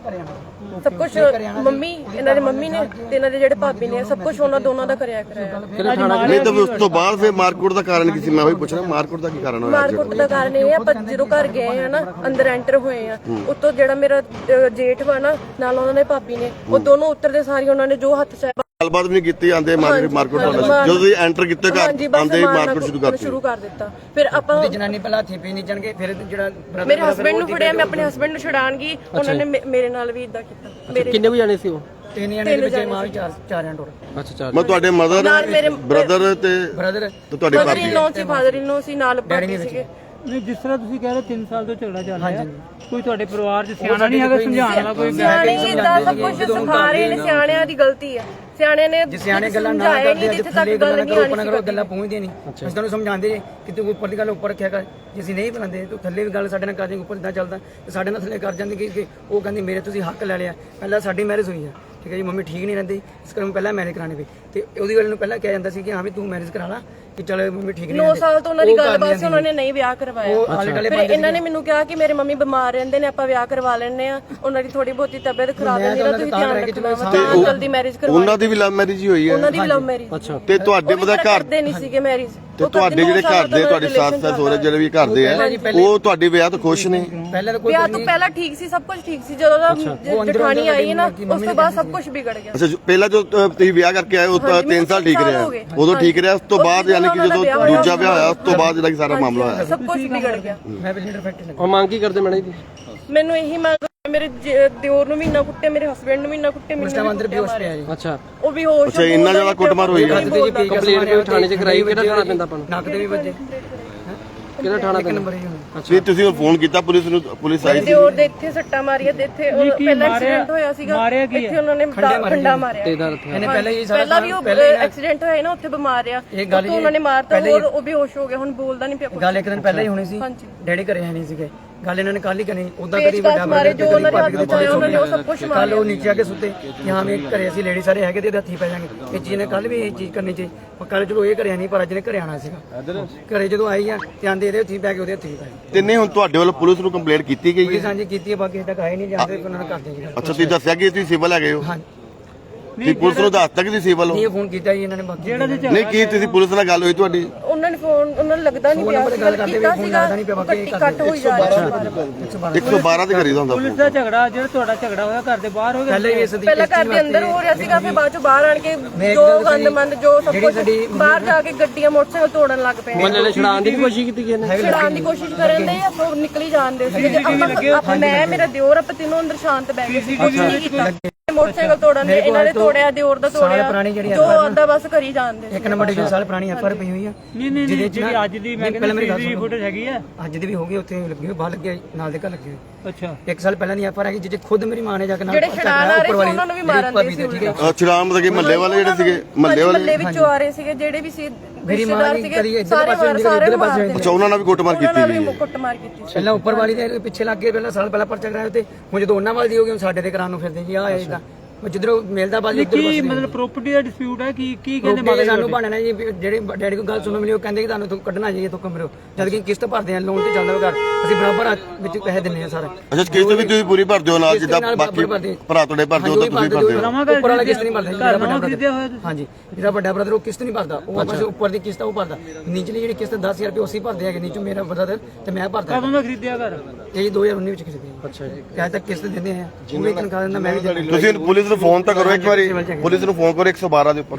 S3: ਸਭ ਕੁਝ ਮੰਮੀ, ਇਹਨਾਂ ਦੀ ਮੰਮੀ ਨੇ ਤੇ ਇਹਨਾਂ ਦੇ ਜਿਹੜੇ ਭਾਬੀ ਨੇ, ਸਭ ਕੁਝ ਉਹਨਾਂ ਦੋਨਾਂ ਦਾ ਕਰਿਆ ਕਰਾਇਆ।
S4: ਨਹੀਂ ਤਾਂ ਉਸ ਤੋਂ ਬਾਅਦ ਫਿਰ ਮਾਰਕੁੱਟ ਦਾ ਕਾਰਨ ਕੀ ਸੀ? ਮੈਂ ਉਹੀ ਪੁੱਛਣਾ, ਮਾਰਕੁੱਟ ਦਾ ਕੀ ਕਾਰਨ ਹੋਇਆ?
S3: ਮਾਰਕੁੱਟ ਦਾ ਕਾਰਨ ਇਹ ਆ, ਆਪਾਂ ਜਦੋਂ ਘਰ ਗਏ ਆ ਨਾ, ਅੰਦਰ ਐਂਟਰ ਹੋਏ ਆ, ਉੱਤੋਂ ਜਿਹੜਾ ਮੇਰਾ ਜੇਠ ਵਾ ਨਾ, ਨਾਲ ਉਹਨਾਂ ਦੇ ਭਾਬੀ ਨੇ, ਉਹ ਦੋਨੋਂ ਉੱਤਰਦੇ ਸਾਰੀ ਉਹਨਾਂ ਨੇ ਜੋ ਹੱਥ ਚਾਹਿਆ
S4: ਗੱਲਬਾਤ ਵੀ ਨਹੀਂ ਕੀਤੀ, ਆਂਦੇ ਮਾਰਕੁੱਟ ਜਦੋਂ ਤੁਸੀਂ ਐਂਟਰ ਕੀਤੇ ਘਰ ਆਂਦੇ ਮਾਰਕੁੱਟ ਸ਼ੁਰੂ ਕਰ
S3: ਦਿੱਤਾ। ਫਿਰ ਆਪਾਂ
S2: ਜਨਾਨੀ ਪਹਿਲਾਂ ਹੱਥੀ ਪੀ ਨਹੀਂ ਜਾਣਗੇ, ਫਿਰ ਜਿਹੜਾ
S3: ਮੇਰੇ ਹਸਬੰਡ ਨੂੰ ਫੜਿਆ, ਮੈਂ ਆਪਣੇ ਹਸਬੰਡ ਨੂੰ ਛੁਡਾਣ ਗਈ, ਉਹਨਾਂ ਨੇ ਮੇਰੇ ਨਾਲ ਵੀ ਇਦਾਂ ਕੀਤਾ। ਮੇਰੇ
S5: ਕਿੰਨੇ ਵਜੇ ਜਾਣੇ ਸੀ ਉਹ?
S2: 3 ਜਣੇ ਦੇ ਵਿੱਚ ਮਾਂ ਵੀ 4 ਜਣ ਟੋਟਲ।
S5: ਅੱਛਾ, 4।
S4: ਮੈਂ ਤੁਹਾਡੇ ਮਦਰ, ਬ੍ਰਦਰ ਤੇ
S2: ਬ੍ਰਦਰ
S4: ਤੁਹਾਡੇ
S3: ਫਾਦਰ ਇਨ ਲੋ ਸੀ ਨਾਲ ਪਾਪੀ ਸੀਗੇ।
S1: ਨਹੀਂ ਜਿਸ ਤਰ੍ਹਾਂ ਤੁਸੀਂ ਕਹਿ ਰਹੇ 3 ਸਾਲ ਤੋਂ ਝਗੜਾ ਚੱਲ ਰਿਹਾ ਕੋਈ ਤੁਹਾਡੇ ਪਰਿਵਾਰ 'ਚ ਸਿਆਣਾ ਨਹੀਂ ਹੈਗਾ ਸਮਝਾਉਣ ਵਾਲਾ ਕੋਈ
S3: ਸਿਆਣੇ ਇਦਾਂ ਸਭ ਕੁਝ ਸਿਖਾ ਰਹੇ ਨੇ, ਸਿਆਣਿਆਂ ਦੀ ਗਲਤੀ ਹੈ। ਸਿਆਣੇ ਨੇ
S2: ਜੇ ਸਿਆਣੇ ਗੱਲਾਂ ਨਾ ਕਰਦੇ ਜਿੱਥੇ ਤੱਕ ਗੱਲ ਨਹੀਂ ਆਣੀ ਕਰੋ ਗੱਲਾਂ ਪਹੁੰਚਦੀਆਂ ਨਹੀਂ। ਅਸੀਂ ਤੁਹਾਨੂੰ ਸਮਝਾਉਂਦੇ ਜੇ ਕਿ ਤੂੰ ਉੱਪਰ ਦੀ ਗੱਲ ਉੱਪਰ ਰੱਖਿਆ ਕਰ, ਜੇ ਅਸੀਂ ਨਹੀਂ ਬੁਲਾਉਂਦੇ ਤੂੰ ਥੱਲੇ ਵੀ ਗੱਲ ਸਾਡੇ ਨਾਲ ਕਰ ਜਾਏਂਗੇ, ਉੱਪਰ ਇਦਾਂ ਚੱਲਦਾ ਤੇ ਸਾਡੇ ਨਾਲ ਥੱਲੇ ਕਰ ਜਾਂਦੇ ਕਿ ਉਹ ਕਹਿੰਦੀ ਮੇਰੇ ਤੁਸੀਂ ਹੱਕ ਲੈ ਲਿਆ। ਪਹਿਲਾਂ ਸਾਡੀ ਮੈਰਿਜ ਹੋਈ ਆ, ਠੀਕ ਹੈ ਜੀ, ਮੰਮੀ ਠੀਕ ਨਹੀਂ ਰਹਿੰਦੀ ਇਸ ਕਰਕੇ ਪਹਿਲਾਂ ਮੈਰਿਜ ਕਰਾਣੀ ਪਈ ਤੇ ਉਹਦੀ ਗੱਲ ਨੂੰ ਪਹਿਲਾਂ ਕਿਹਾ ਜਾਂਦਾ ਸੀ ਕਿ ਹਾਂ ਵੀ ਤੂੰ ਮੈਰਿਜ ਕਰਾ ਲਾ ਕਿ ਚਲ ਮੰਮੀ ਠੀਕ ਨਹੀਂ
S3: 9 ਸਾਲ ਤੋਂ ਉਹਨਾਂ ਦੀ ਗੱਲਬਾਤ ਸੀ, ਉਹਨਾਂ ਨੇ ਨਹੀਂ ਵਿਆਹ ਕਰਵਾਇਆ। ਫਿਰ ਇਹਨਾਂ ਨੇ ਮੈਨੂੰ ਕਿਹਾ ਕਿ ਮੇਰੇ ਮੰਮੀ ਬਿਮਾਰ ਰਹਿੰਦੇ ਨੇ, ਆਪਾਂ ਵਿਆਹ ਕਰਵਾ ਲੈਣੇ ਆ, ਉਹਨਾਂ ਦੀ ਥੋੜੀ ਬਹੁਤੀ ਤਬੀਅਤ ਖਰਾਬ ਹੁੰਦੀ ਨਾ, ਤੁਸੀਂ ਧਿਆਨ ਰੱਖਣਾ, ਜਲਦੀ ਮੈਰਿਜ ਕਰਵਾ।
S4: ਉਹਨਾਂ ਦੀ ਵੀ ਲਵ ਮੈਰਿਜ ਹੀ ਹੋਈ ਹੈ?
S3: ਉਹਨਾਂ ਦੀ ਵੀ ਲਵ ਮੈਰਿਜ।
S4: ਅੱਛਾ। ਤੇ ਤੁਹਾਡੇ ਪਤਾ ਘਰ
S3: ਦੇ ਨਹੀਂ ਸੀਗੇ ਮੈਰਿਜ,
S4: ਤੇ ਤੁਹਾਡੇ ਜਿਹੜੇ ਘਰ ਦੇ ਤੁਹਾਡੀ ਸੱਸ ਸਹੁਰੇ ਜਿਹੜੇ ਵੀ ਘਰ ਦੇ ਆ ਉਹ ਤੁਹਾਡੇ ਵਿਆਹ ਤੋਂ ਖੁਸ਼ ਨੇ?
S2: ਪਹਿਲਾਂ ਤਾਂ ਕੋਈ
S3: ਵਿਆਹ ਤੋਂ ਪਹਿਲਾਂ ਠੀਕ ਸੀ, ਸਭ ਕੁਝ ਠੀਕ ਸੀ, ਜਦੋਂ ਦਾ ਜਠਾਣੀ ਆਈ ਹੈ ਨਾ ਉਸ ਤੋਂ ਬਾਅਦ ਸਭ ਕੁਝ ਵਿਗੜ ਗਿਆ।
S4: ਅੱਛਾ, ਪਹਿਲਾਂ ਜੋ ਤੁਸੀਂ ਵਿਆਹ ਕਰਕੇ ਆਏ ਉਹ 3 ਸਾਲ ਠੀਕ ਰਿਹਾ, ਉਦੋਂ ਠੀਕ ਰਿਹਾ, ਉਸ ਤੋਂ ਬਾਅਦ ਯਾਨੀ ਕਿ ਜਦੋਂ ਦੂਜਾ ਵਿਆਹ ਹੋਇਆ ਉਸ ਤੋਂ ਬਾਅਦ ਜਿਹੜਾ ਸਾਰਾ ਮਾਮਲਾ ਹੋਇਆ
S3: ਸਭ ਕੁਝ ਵਿਗੜ ਗਿਆ।
S2: ਮੈਂ ਬਿਲਡਰ ਫੈਕਟਰੀ
S5: ਉਹ ਮੰਗ ਕੀ ਕਰਦੇ ਮੈਡਮ ਜੀ?
S3: ਮੈਨੂੰ ਇਹੀ ਮੰਗ, ਮੇਰੇ ਦਿਓਰ ਨੂੰ ਵੀ ਇੰਨਾ ਕੁੱਟੇ, ਮੇਰੇ ਹਸਬੰਡ ਨੂੰ ਵੀ ਇੰਨਾ ਕੁੱਟੇ, ਮੈਨੂੰ
S2: ਅੰਦਰ ਬੇਹੋਸ਼ ਪਿਆ ਜੀ।
S5: ਅੱਛਾ,
S3: ਉਹ ਵੀ ਹੋਸ਼।
S4: ਅੱਛਾ, ਇੰਨਾ ਜ਼ਿਆਦਾ ਕੁੱਟਮਾਰ ਹੋਈ ਹੈ?
S5: ਕੰਪਲੇਂਟ ਵੀ ਥਾਣੇ 'ਚ ਕਰਾਈ, ਕਿਹੜਾ ਥਾਣਾ ਪੈਂਦਾ ਆਪਾਂ ਨੂੰ?
S2: ਨੱਕ ਦੇ ਵੀ ਵੱਜੇ,
S5: ਕਿਹੜਾ ਥਾਣਾ ਪੈਂਦਾ?
S2: ਨੰਬਰ ਹੀ
S4: ਤੇ ਤੁਸੀਂ ਉਹ ਫੋਨ ਕੀਤਾ ਪੁਲਿਸ ਨੂੰ? ਪੁਲਿਸ ਆਈ?
S3: ਦਿਓਰ ਦੇ ਇੱਥੇ ਸੱਟਾਂ ਮਾਰੀਆਂ ਤੇ ਇੱਥੇ ਪਹਿਲਾਂ ਐਕਸੀਡੈਂਟ ਹੋਇਆ ਸੀਗਾ, ਇੱਥੇ ਉਹਨਾਂ ਨੇ ਖੰਡਾ ਮਾਰਿਆ।
S2: ਇਹਨੇ ਪਹਿਲਾਂ ਹੀ
S3: ਪਹਿਲਾਂ ਵੀ ਉਹ ਐਕਸੀਡੈਂਟ ਹੋਇਆ ਨਾ ਉੱਥੇ ਬਿਮਾਰ ਆ, ਉੱਥੋਂ ਉਹਨਾਂ ਨੇ ਮਾਰਤਾ, ਹੋਰ ਉਹ ਬੇਹੋਸ਼ ਹੋ ਗਿਆ, ਹੁਣ ਬੋਲਦਾ ਨਹੀਂ ਪਿਆ।
S2: ਗੱਲ ਇੱਕ ਦਿਨ ਪਹਿਲਾਂ ਹੀ ਹੋਣੀ ਸੀ, ਡੈਡੀ ਘਰੇ ਹੈ ਨਹੀਂ ਸੀਗੇ, ਗੱਲ ਇਹਨਾਂ ਨੇ ਕੱਲ ਹੀ ਕਰਨੀ। ਉਦਾਂ
S3: ਕਦੀ ਵੱਡਾ ਮਾਰੇ ਜੋ ਉਹਨਾਂ ਨੇ ਹੱਥ ਚਾਇਆ, ਉਹਨਾਂ ਨੇ ਉਹ ਸਭ ਕੁਝ ਮਾਰਿਆ।
S2: ਕੱਲ ਉਹ ਨੀਚੇ ਆ ਕੇ ਸੁੱਤੇ ਕਿ ਹਾਂ ਵੀ ਘਰੇ ਅਸੀਂ ਲੇਡੀ ਸਾਰੇ ਹੈਗੇ ਤੇ ਇਹਦੇ ਹੱਥੀ ਪੈ ਜਾਾਂਗੇ। ਇਹ ਚੀਜ਼ ਨੇ ਕੱਲ ਵੀ ਇਹ ਚੀਜ਼ ਕਰਨੀ ਚਾਹੀ, ਪਰ ਕੱਲ ਜਦੋਂ ਇਹ ਘਰੇ ਨਹੀਂ, ਪਰ ਅੱਜ ਨੇ ਘਰੇ ਆਣਾ ਸੀਗਾ। ਘਰੇ ਜਦੋਂ ਆਈ ਆ ਤੇ ਆਂਦੇ ਇਹਦੇ ਹੱਥੀ ਪੈ ਕੇ ਉਹਦੇ ਹੱਥੀ ਪੈ ਗਏ।
S4: ਤੇ ਨਹੀਂ ਹੁਣ ਤੁਹਾਡੇ ਵੱਲੋਂ ਪੁਲਿਸ ਨੂੰ ਕੰਪਲੇਂਟ ਕੀਤੀ ਗਈ ਹੈ?
S2: ਸਾਂਝੀ ਕੀਤੀ ਹੈ, ਬਾਕੀ ਤੱਕ ਆਏ ਨਹੀਂ ਜਾਂਦੇ, ਉਹਨਾਂ ਨੇ ਕਰ ਦੇਗੀ।
S4: ਅੱਛਾ, ਤੁਸੀਂ ਦੱਸਿਆ ਕਿ ਤੁਸੀਂ ਸਿਵਲ ਹੈਗੇ ਹੋ?
S2: ਹਾਂ,
S4: ਤੁਸੀਂ ਪੁਲਿਸ ਨੂੰ ਦੱਸਤਾ ਕਿ ਤੁਸੀਂ ਸਿਵਲ ਹੋ?
S2: ਇਹ ਫੋਨ ਕੀਤਾ ਜੀ ਇਹਨਾਂ ਨੇ, ਬਾਕੀ
S4: ਨਹੀਂ ਕੀ ਤੁਸੀਂ ਪੁਲਿਸ ਨਾਲ ਗੱਲ ਹੋਈ ਤੁਹਾਡੀ?
S3: ਉਹਨਾਂ ਨੇ ਫੋਨ, ਉਹਨਾਂ ਨੂੰ ਲੱਗਦਾ ਨਹੀਂ ਪਿਆ ਕੀਤਾ ਸੀਗਾ, ਕੱਟ ਹੋਈ ਜਾ ਰਿਹਾ।
S4: 112 ਤੇ ਕਰੀਦਾ ਹੁੰਦਾ
S1: ਪੁਲਿਸ ਦਾ ਝਗੜਾ ਜਿਹੜਾ ਤੁਹਾਡਾ ਝਗੜਾ ਹੋਇਆ ਘਰ ਦੇ ਬਾਹਰ ਹੋ ਗਿਆ?
S3: ਪਹਿਲਾਂ ਘਰ ਦੇ ਅੰਦਰ ਹੋ ਰਿਹਾ ਸੀਗਾ, ਫਿਰ ਬਾਅਦ ਚੋਂ ਬਾਹਰ ਆਣ ਕੇ ਜੋ ਗੰਦਮੰਦ ਜੋ ਸਭ ਕੁਝ ਬਾਹਰ ਜਾ ਕੇ ਗੱਡੀਆਂ ਮੋਟਰਸਾਈਕਲ ਤੋੜਨ ਲੱਗ ਪਏ।
S5: ਮੱਲੇ ਨੇ ਛਡਾਉਣ ਦੀ ਕੋਸ਼ਿਸ਼ ਕੀਤੀ ਗਈ ਨੇ,
S3: ਛਡਾਉਣ ਦੀ ਕੋਸ਼ਿਸ਼ ਕਰਨ ਦੇ ਆਪਾਂ ਨਿਕਲੀ ਜਾਂਦੇ ਸੀ। ਆਪਾਂ ਮੈਂ ਮੇਰਾ ਦਿਓਰ ਆਪਾਂ ਤਿੰਨੋਂ ਅੰਦਰ ਸ਼ਾਂਤ ਬੈ ਗਏ ਸੀ, ਕੁਝ ਨਹੀਂ ਕੀਤਾ। ਮੋਟਰਸਾਈਕਲ ਤੋੜਨ ਦੇ ਇਹਨਾਂ ਨੇ ਤੋੜਿਆ, ਦਿਓਰ ਦਾ ਤੋੜਿਆ, ਜੋ ਆਂਦਾ ਬਸ ਕਰੀ ਜਾਂਦੇ।
S2: ਇੱਕ ਨੰਬਰ 2 ਸਾਲ ਪੁਰਾਣੀ ਐਫਆਰ ਪਈ ਹੋਈ ਆ,
S1: ਨਹੀਂ ਜਿਹੜੀ ਅੱਜ ਦੀ ਮੈਂ ਕਹਿੰਦਾ ਸੀਸੀਟੀਵੀ ਫੁਟੇਜ ਹੈਗੀ ਆ,
S2: ਅੱਜ ਦੀ ਵੀ ਹੋ ਗਈ, ਉੱਥੇ ਲੱਗੀ ਹੋਈ, ਬਾਹਰ ਲੱਗੇ ਨਾਲ ਦੇ ਘਰ ਲੱਗੇ ਹੋਏ।
S1: ਅੱਛਾ,
S2: 1 ਸਾਲ ਪਹਿਲਾਂ ਦੀ ਐਫਆਰ ਹੈਗੀ, ਜਿੱਥੇ ਖੁਦ ਮੇਰੀ ਮਾਂ ਨੇ ਜਾ ਕੇ ਨਾਲ
S3: ਜਿਹੜੇ ਛਡਾਣ ਆ ਰਹੇ ਸੀ ਉਹਨਾਂ ਨੂੰ ਵੀ ਮਾਰਨ ਦੇ ਸੀ।
S4: ਛੁਡਾਉਣ ਮਤਲਬ ਕਿ ਮਹੱਲੇ ਵਾਲੇ ਜਿਹੜੇ ਸੀਗੇ, ਮਹੱਲੇ
S3: ਵਿੱਚੋਂ ਆ ਰਹੇ ਸੀਗੇ, ਜਿਹੜੇ ਵੀ ਸੀ
S2: ਮੇਰੀ ਮਾਂ ਦੀ ਕਦੀ ਇੱਧਰ ਪਾਸੇ
S4: ਅੱਛਾ, ਉਹਨਾਂ ਨਾਲ ਵੀ ਕੁੱਟਮਾਰ ਕੀਤੀ ਗਈ ਹੈ?
S3: ਕੁੱਟਮਾਰ ਕੀਤੀ
S2: ਪਹਿਲਾਂ ਉੱਪਰ ਵਾਲੀ ਦੇ ਪਿੱਛੇ ਲੱਗ ਗਏ, ਪਹਿਲਾਂ ਸਾਲ ਪਹਿਲਾਂ ਪਰਚਾ ਕਰਾਇਆ ਤੇ ਹੁਣ ਜਦੋਂ ਉਹਨਾਂ ਵਾਲੀ ਦੀ ਹੋ ਗਈ, ਹੁਣ ਸਾਡੇ ਤੇ ਕਰਾਉਣ ਨੂੰ ਫਿਰਦੇ ਜੀ। ਆ ਇਦਾਂ ਜਿੱਧਰੋਂ ਮਿਲਦਾ ਬਾਜੀ ਉੱਧਰ
S1: ਕੀ ਮਤਲਬ ਪ੍ਰਾਪਰਟੀ ਦਾ ਡਿਸਪਿਊਟ ਹੈ? ਕੀ ਕਹਿੰਦੇ
S2: ਮਾਲਕ ਸਾਨੂੰ ਬਣਨਾ ਜੀ, ਜਿਹੜੇ ਡੈਡੀ ਕੋਲ ਗੱਲ ਸੁਣਨ ਮਿਲੀ, ਉਹ ਕਹਿੰਦੇ ਕਿ ਤੁਹਾਨੂੰ ਤੋਂ ਕੱਢਣਾ ਚਾਹੀਏ ਤੋਂ ਕਮਰੇ, ਜਦ ਕਿ ਕਿਸ਼ਤ ਭਰਦੇ ਆ, ਲੋਨ ਤੇ ਚੱਲਦਾ ਘਰ, ਅਸੀਂ ਬਰਾਬਰ ਵਿੱਚ ਪੈਸੇ ਦਿੰਦੇ ਆ ਸਾਰਾ।
S4: ਅੱਛਾ, ਕਿਸ਼ਤ ਵੀ ਤੁਸੀਂ ਪੂਰੀ ਭਰਦੇ ਹੋ ਨਾਲ ਜਿੱਦਾਂ ਬਾਕੀ ਭਰਾ ਤੁਹਾਡੇ ਭਰਦੇ ਹੋ ਤਾਂ ਤੁਸੀਂ ਭਰਦੇ ਹੋ?
S2: ਉੱਪਰ ਵਾਲਾ ਕਿਸ਼ਤ ਨਹੀਂ ਭਰਦਾ, ਜਿਹੜਾ ਵੱਡਾ
S1: ਖਰੀਦਿਆ ਹੋਇਆ
S2: ਬ੍ਰਦਰ, ਹਾਂਜੀ ਜਿਹੜਾ ਵੱਡਾ ਬ੍ਰਦਰ ਉਹ ਕਿਸ਼ਤ ਨਹੀਂ ਭਰਦਾ, ਉਹ ਬਸ ਉੱਪਰ ਦੀ ਕਿਸ਼ਤ ਉਹ ਭਰਦਾ, ਨੀਚਲੀ ਜਿਹੜੀ ਕਿਸ਼ਤ 10,000 ਰੁਪਏ ਉਸੇ ਭਰਦੇ ਹੈਗੇ, ਨੀਚੋਂ ਮੇਰਾ ਬ੍ਰਦਰ ਤੇ ਮੈਂ ਭਰਦਾ।
S1: ਕਦੋਂ ਦਾ ਖਰੀਦਿਆ ਘਰ?
S2: ਇਹ 2019 ਵਿੱਚ ਖਰੀਦਿਆ। ਅੱਛਾ ਜੀ, ਕਿਹਾ ਤੱਕ ਕਿਸ਼ਤ ਦਿੰਦੇ ਆ, ਉਹ ਵੀ ਤਨਖਾਹ ਦਿੰਦਾ, ਮੈਂ ਵੀ ਦਿੰਦਾ।
S4: ਤੁਸੀਂ ਪੁਲਿਸ ਨੂੰ ਫੋਨ ਤਾਂ ਕਰੋ ਇੱਕ ਵਾਰੀ, ਪੁਲਿਸ ਨੂੰ ਫੋਨ ਕਰੋ 112 ਦੇ ਉੱਪਰ।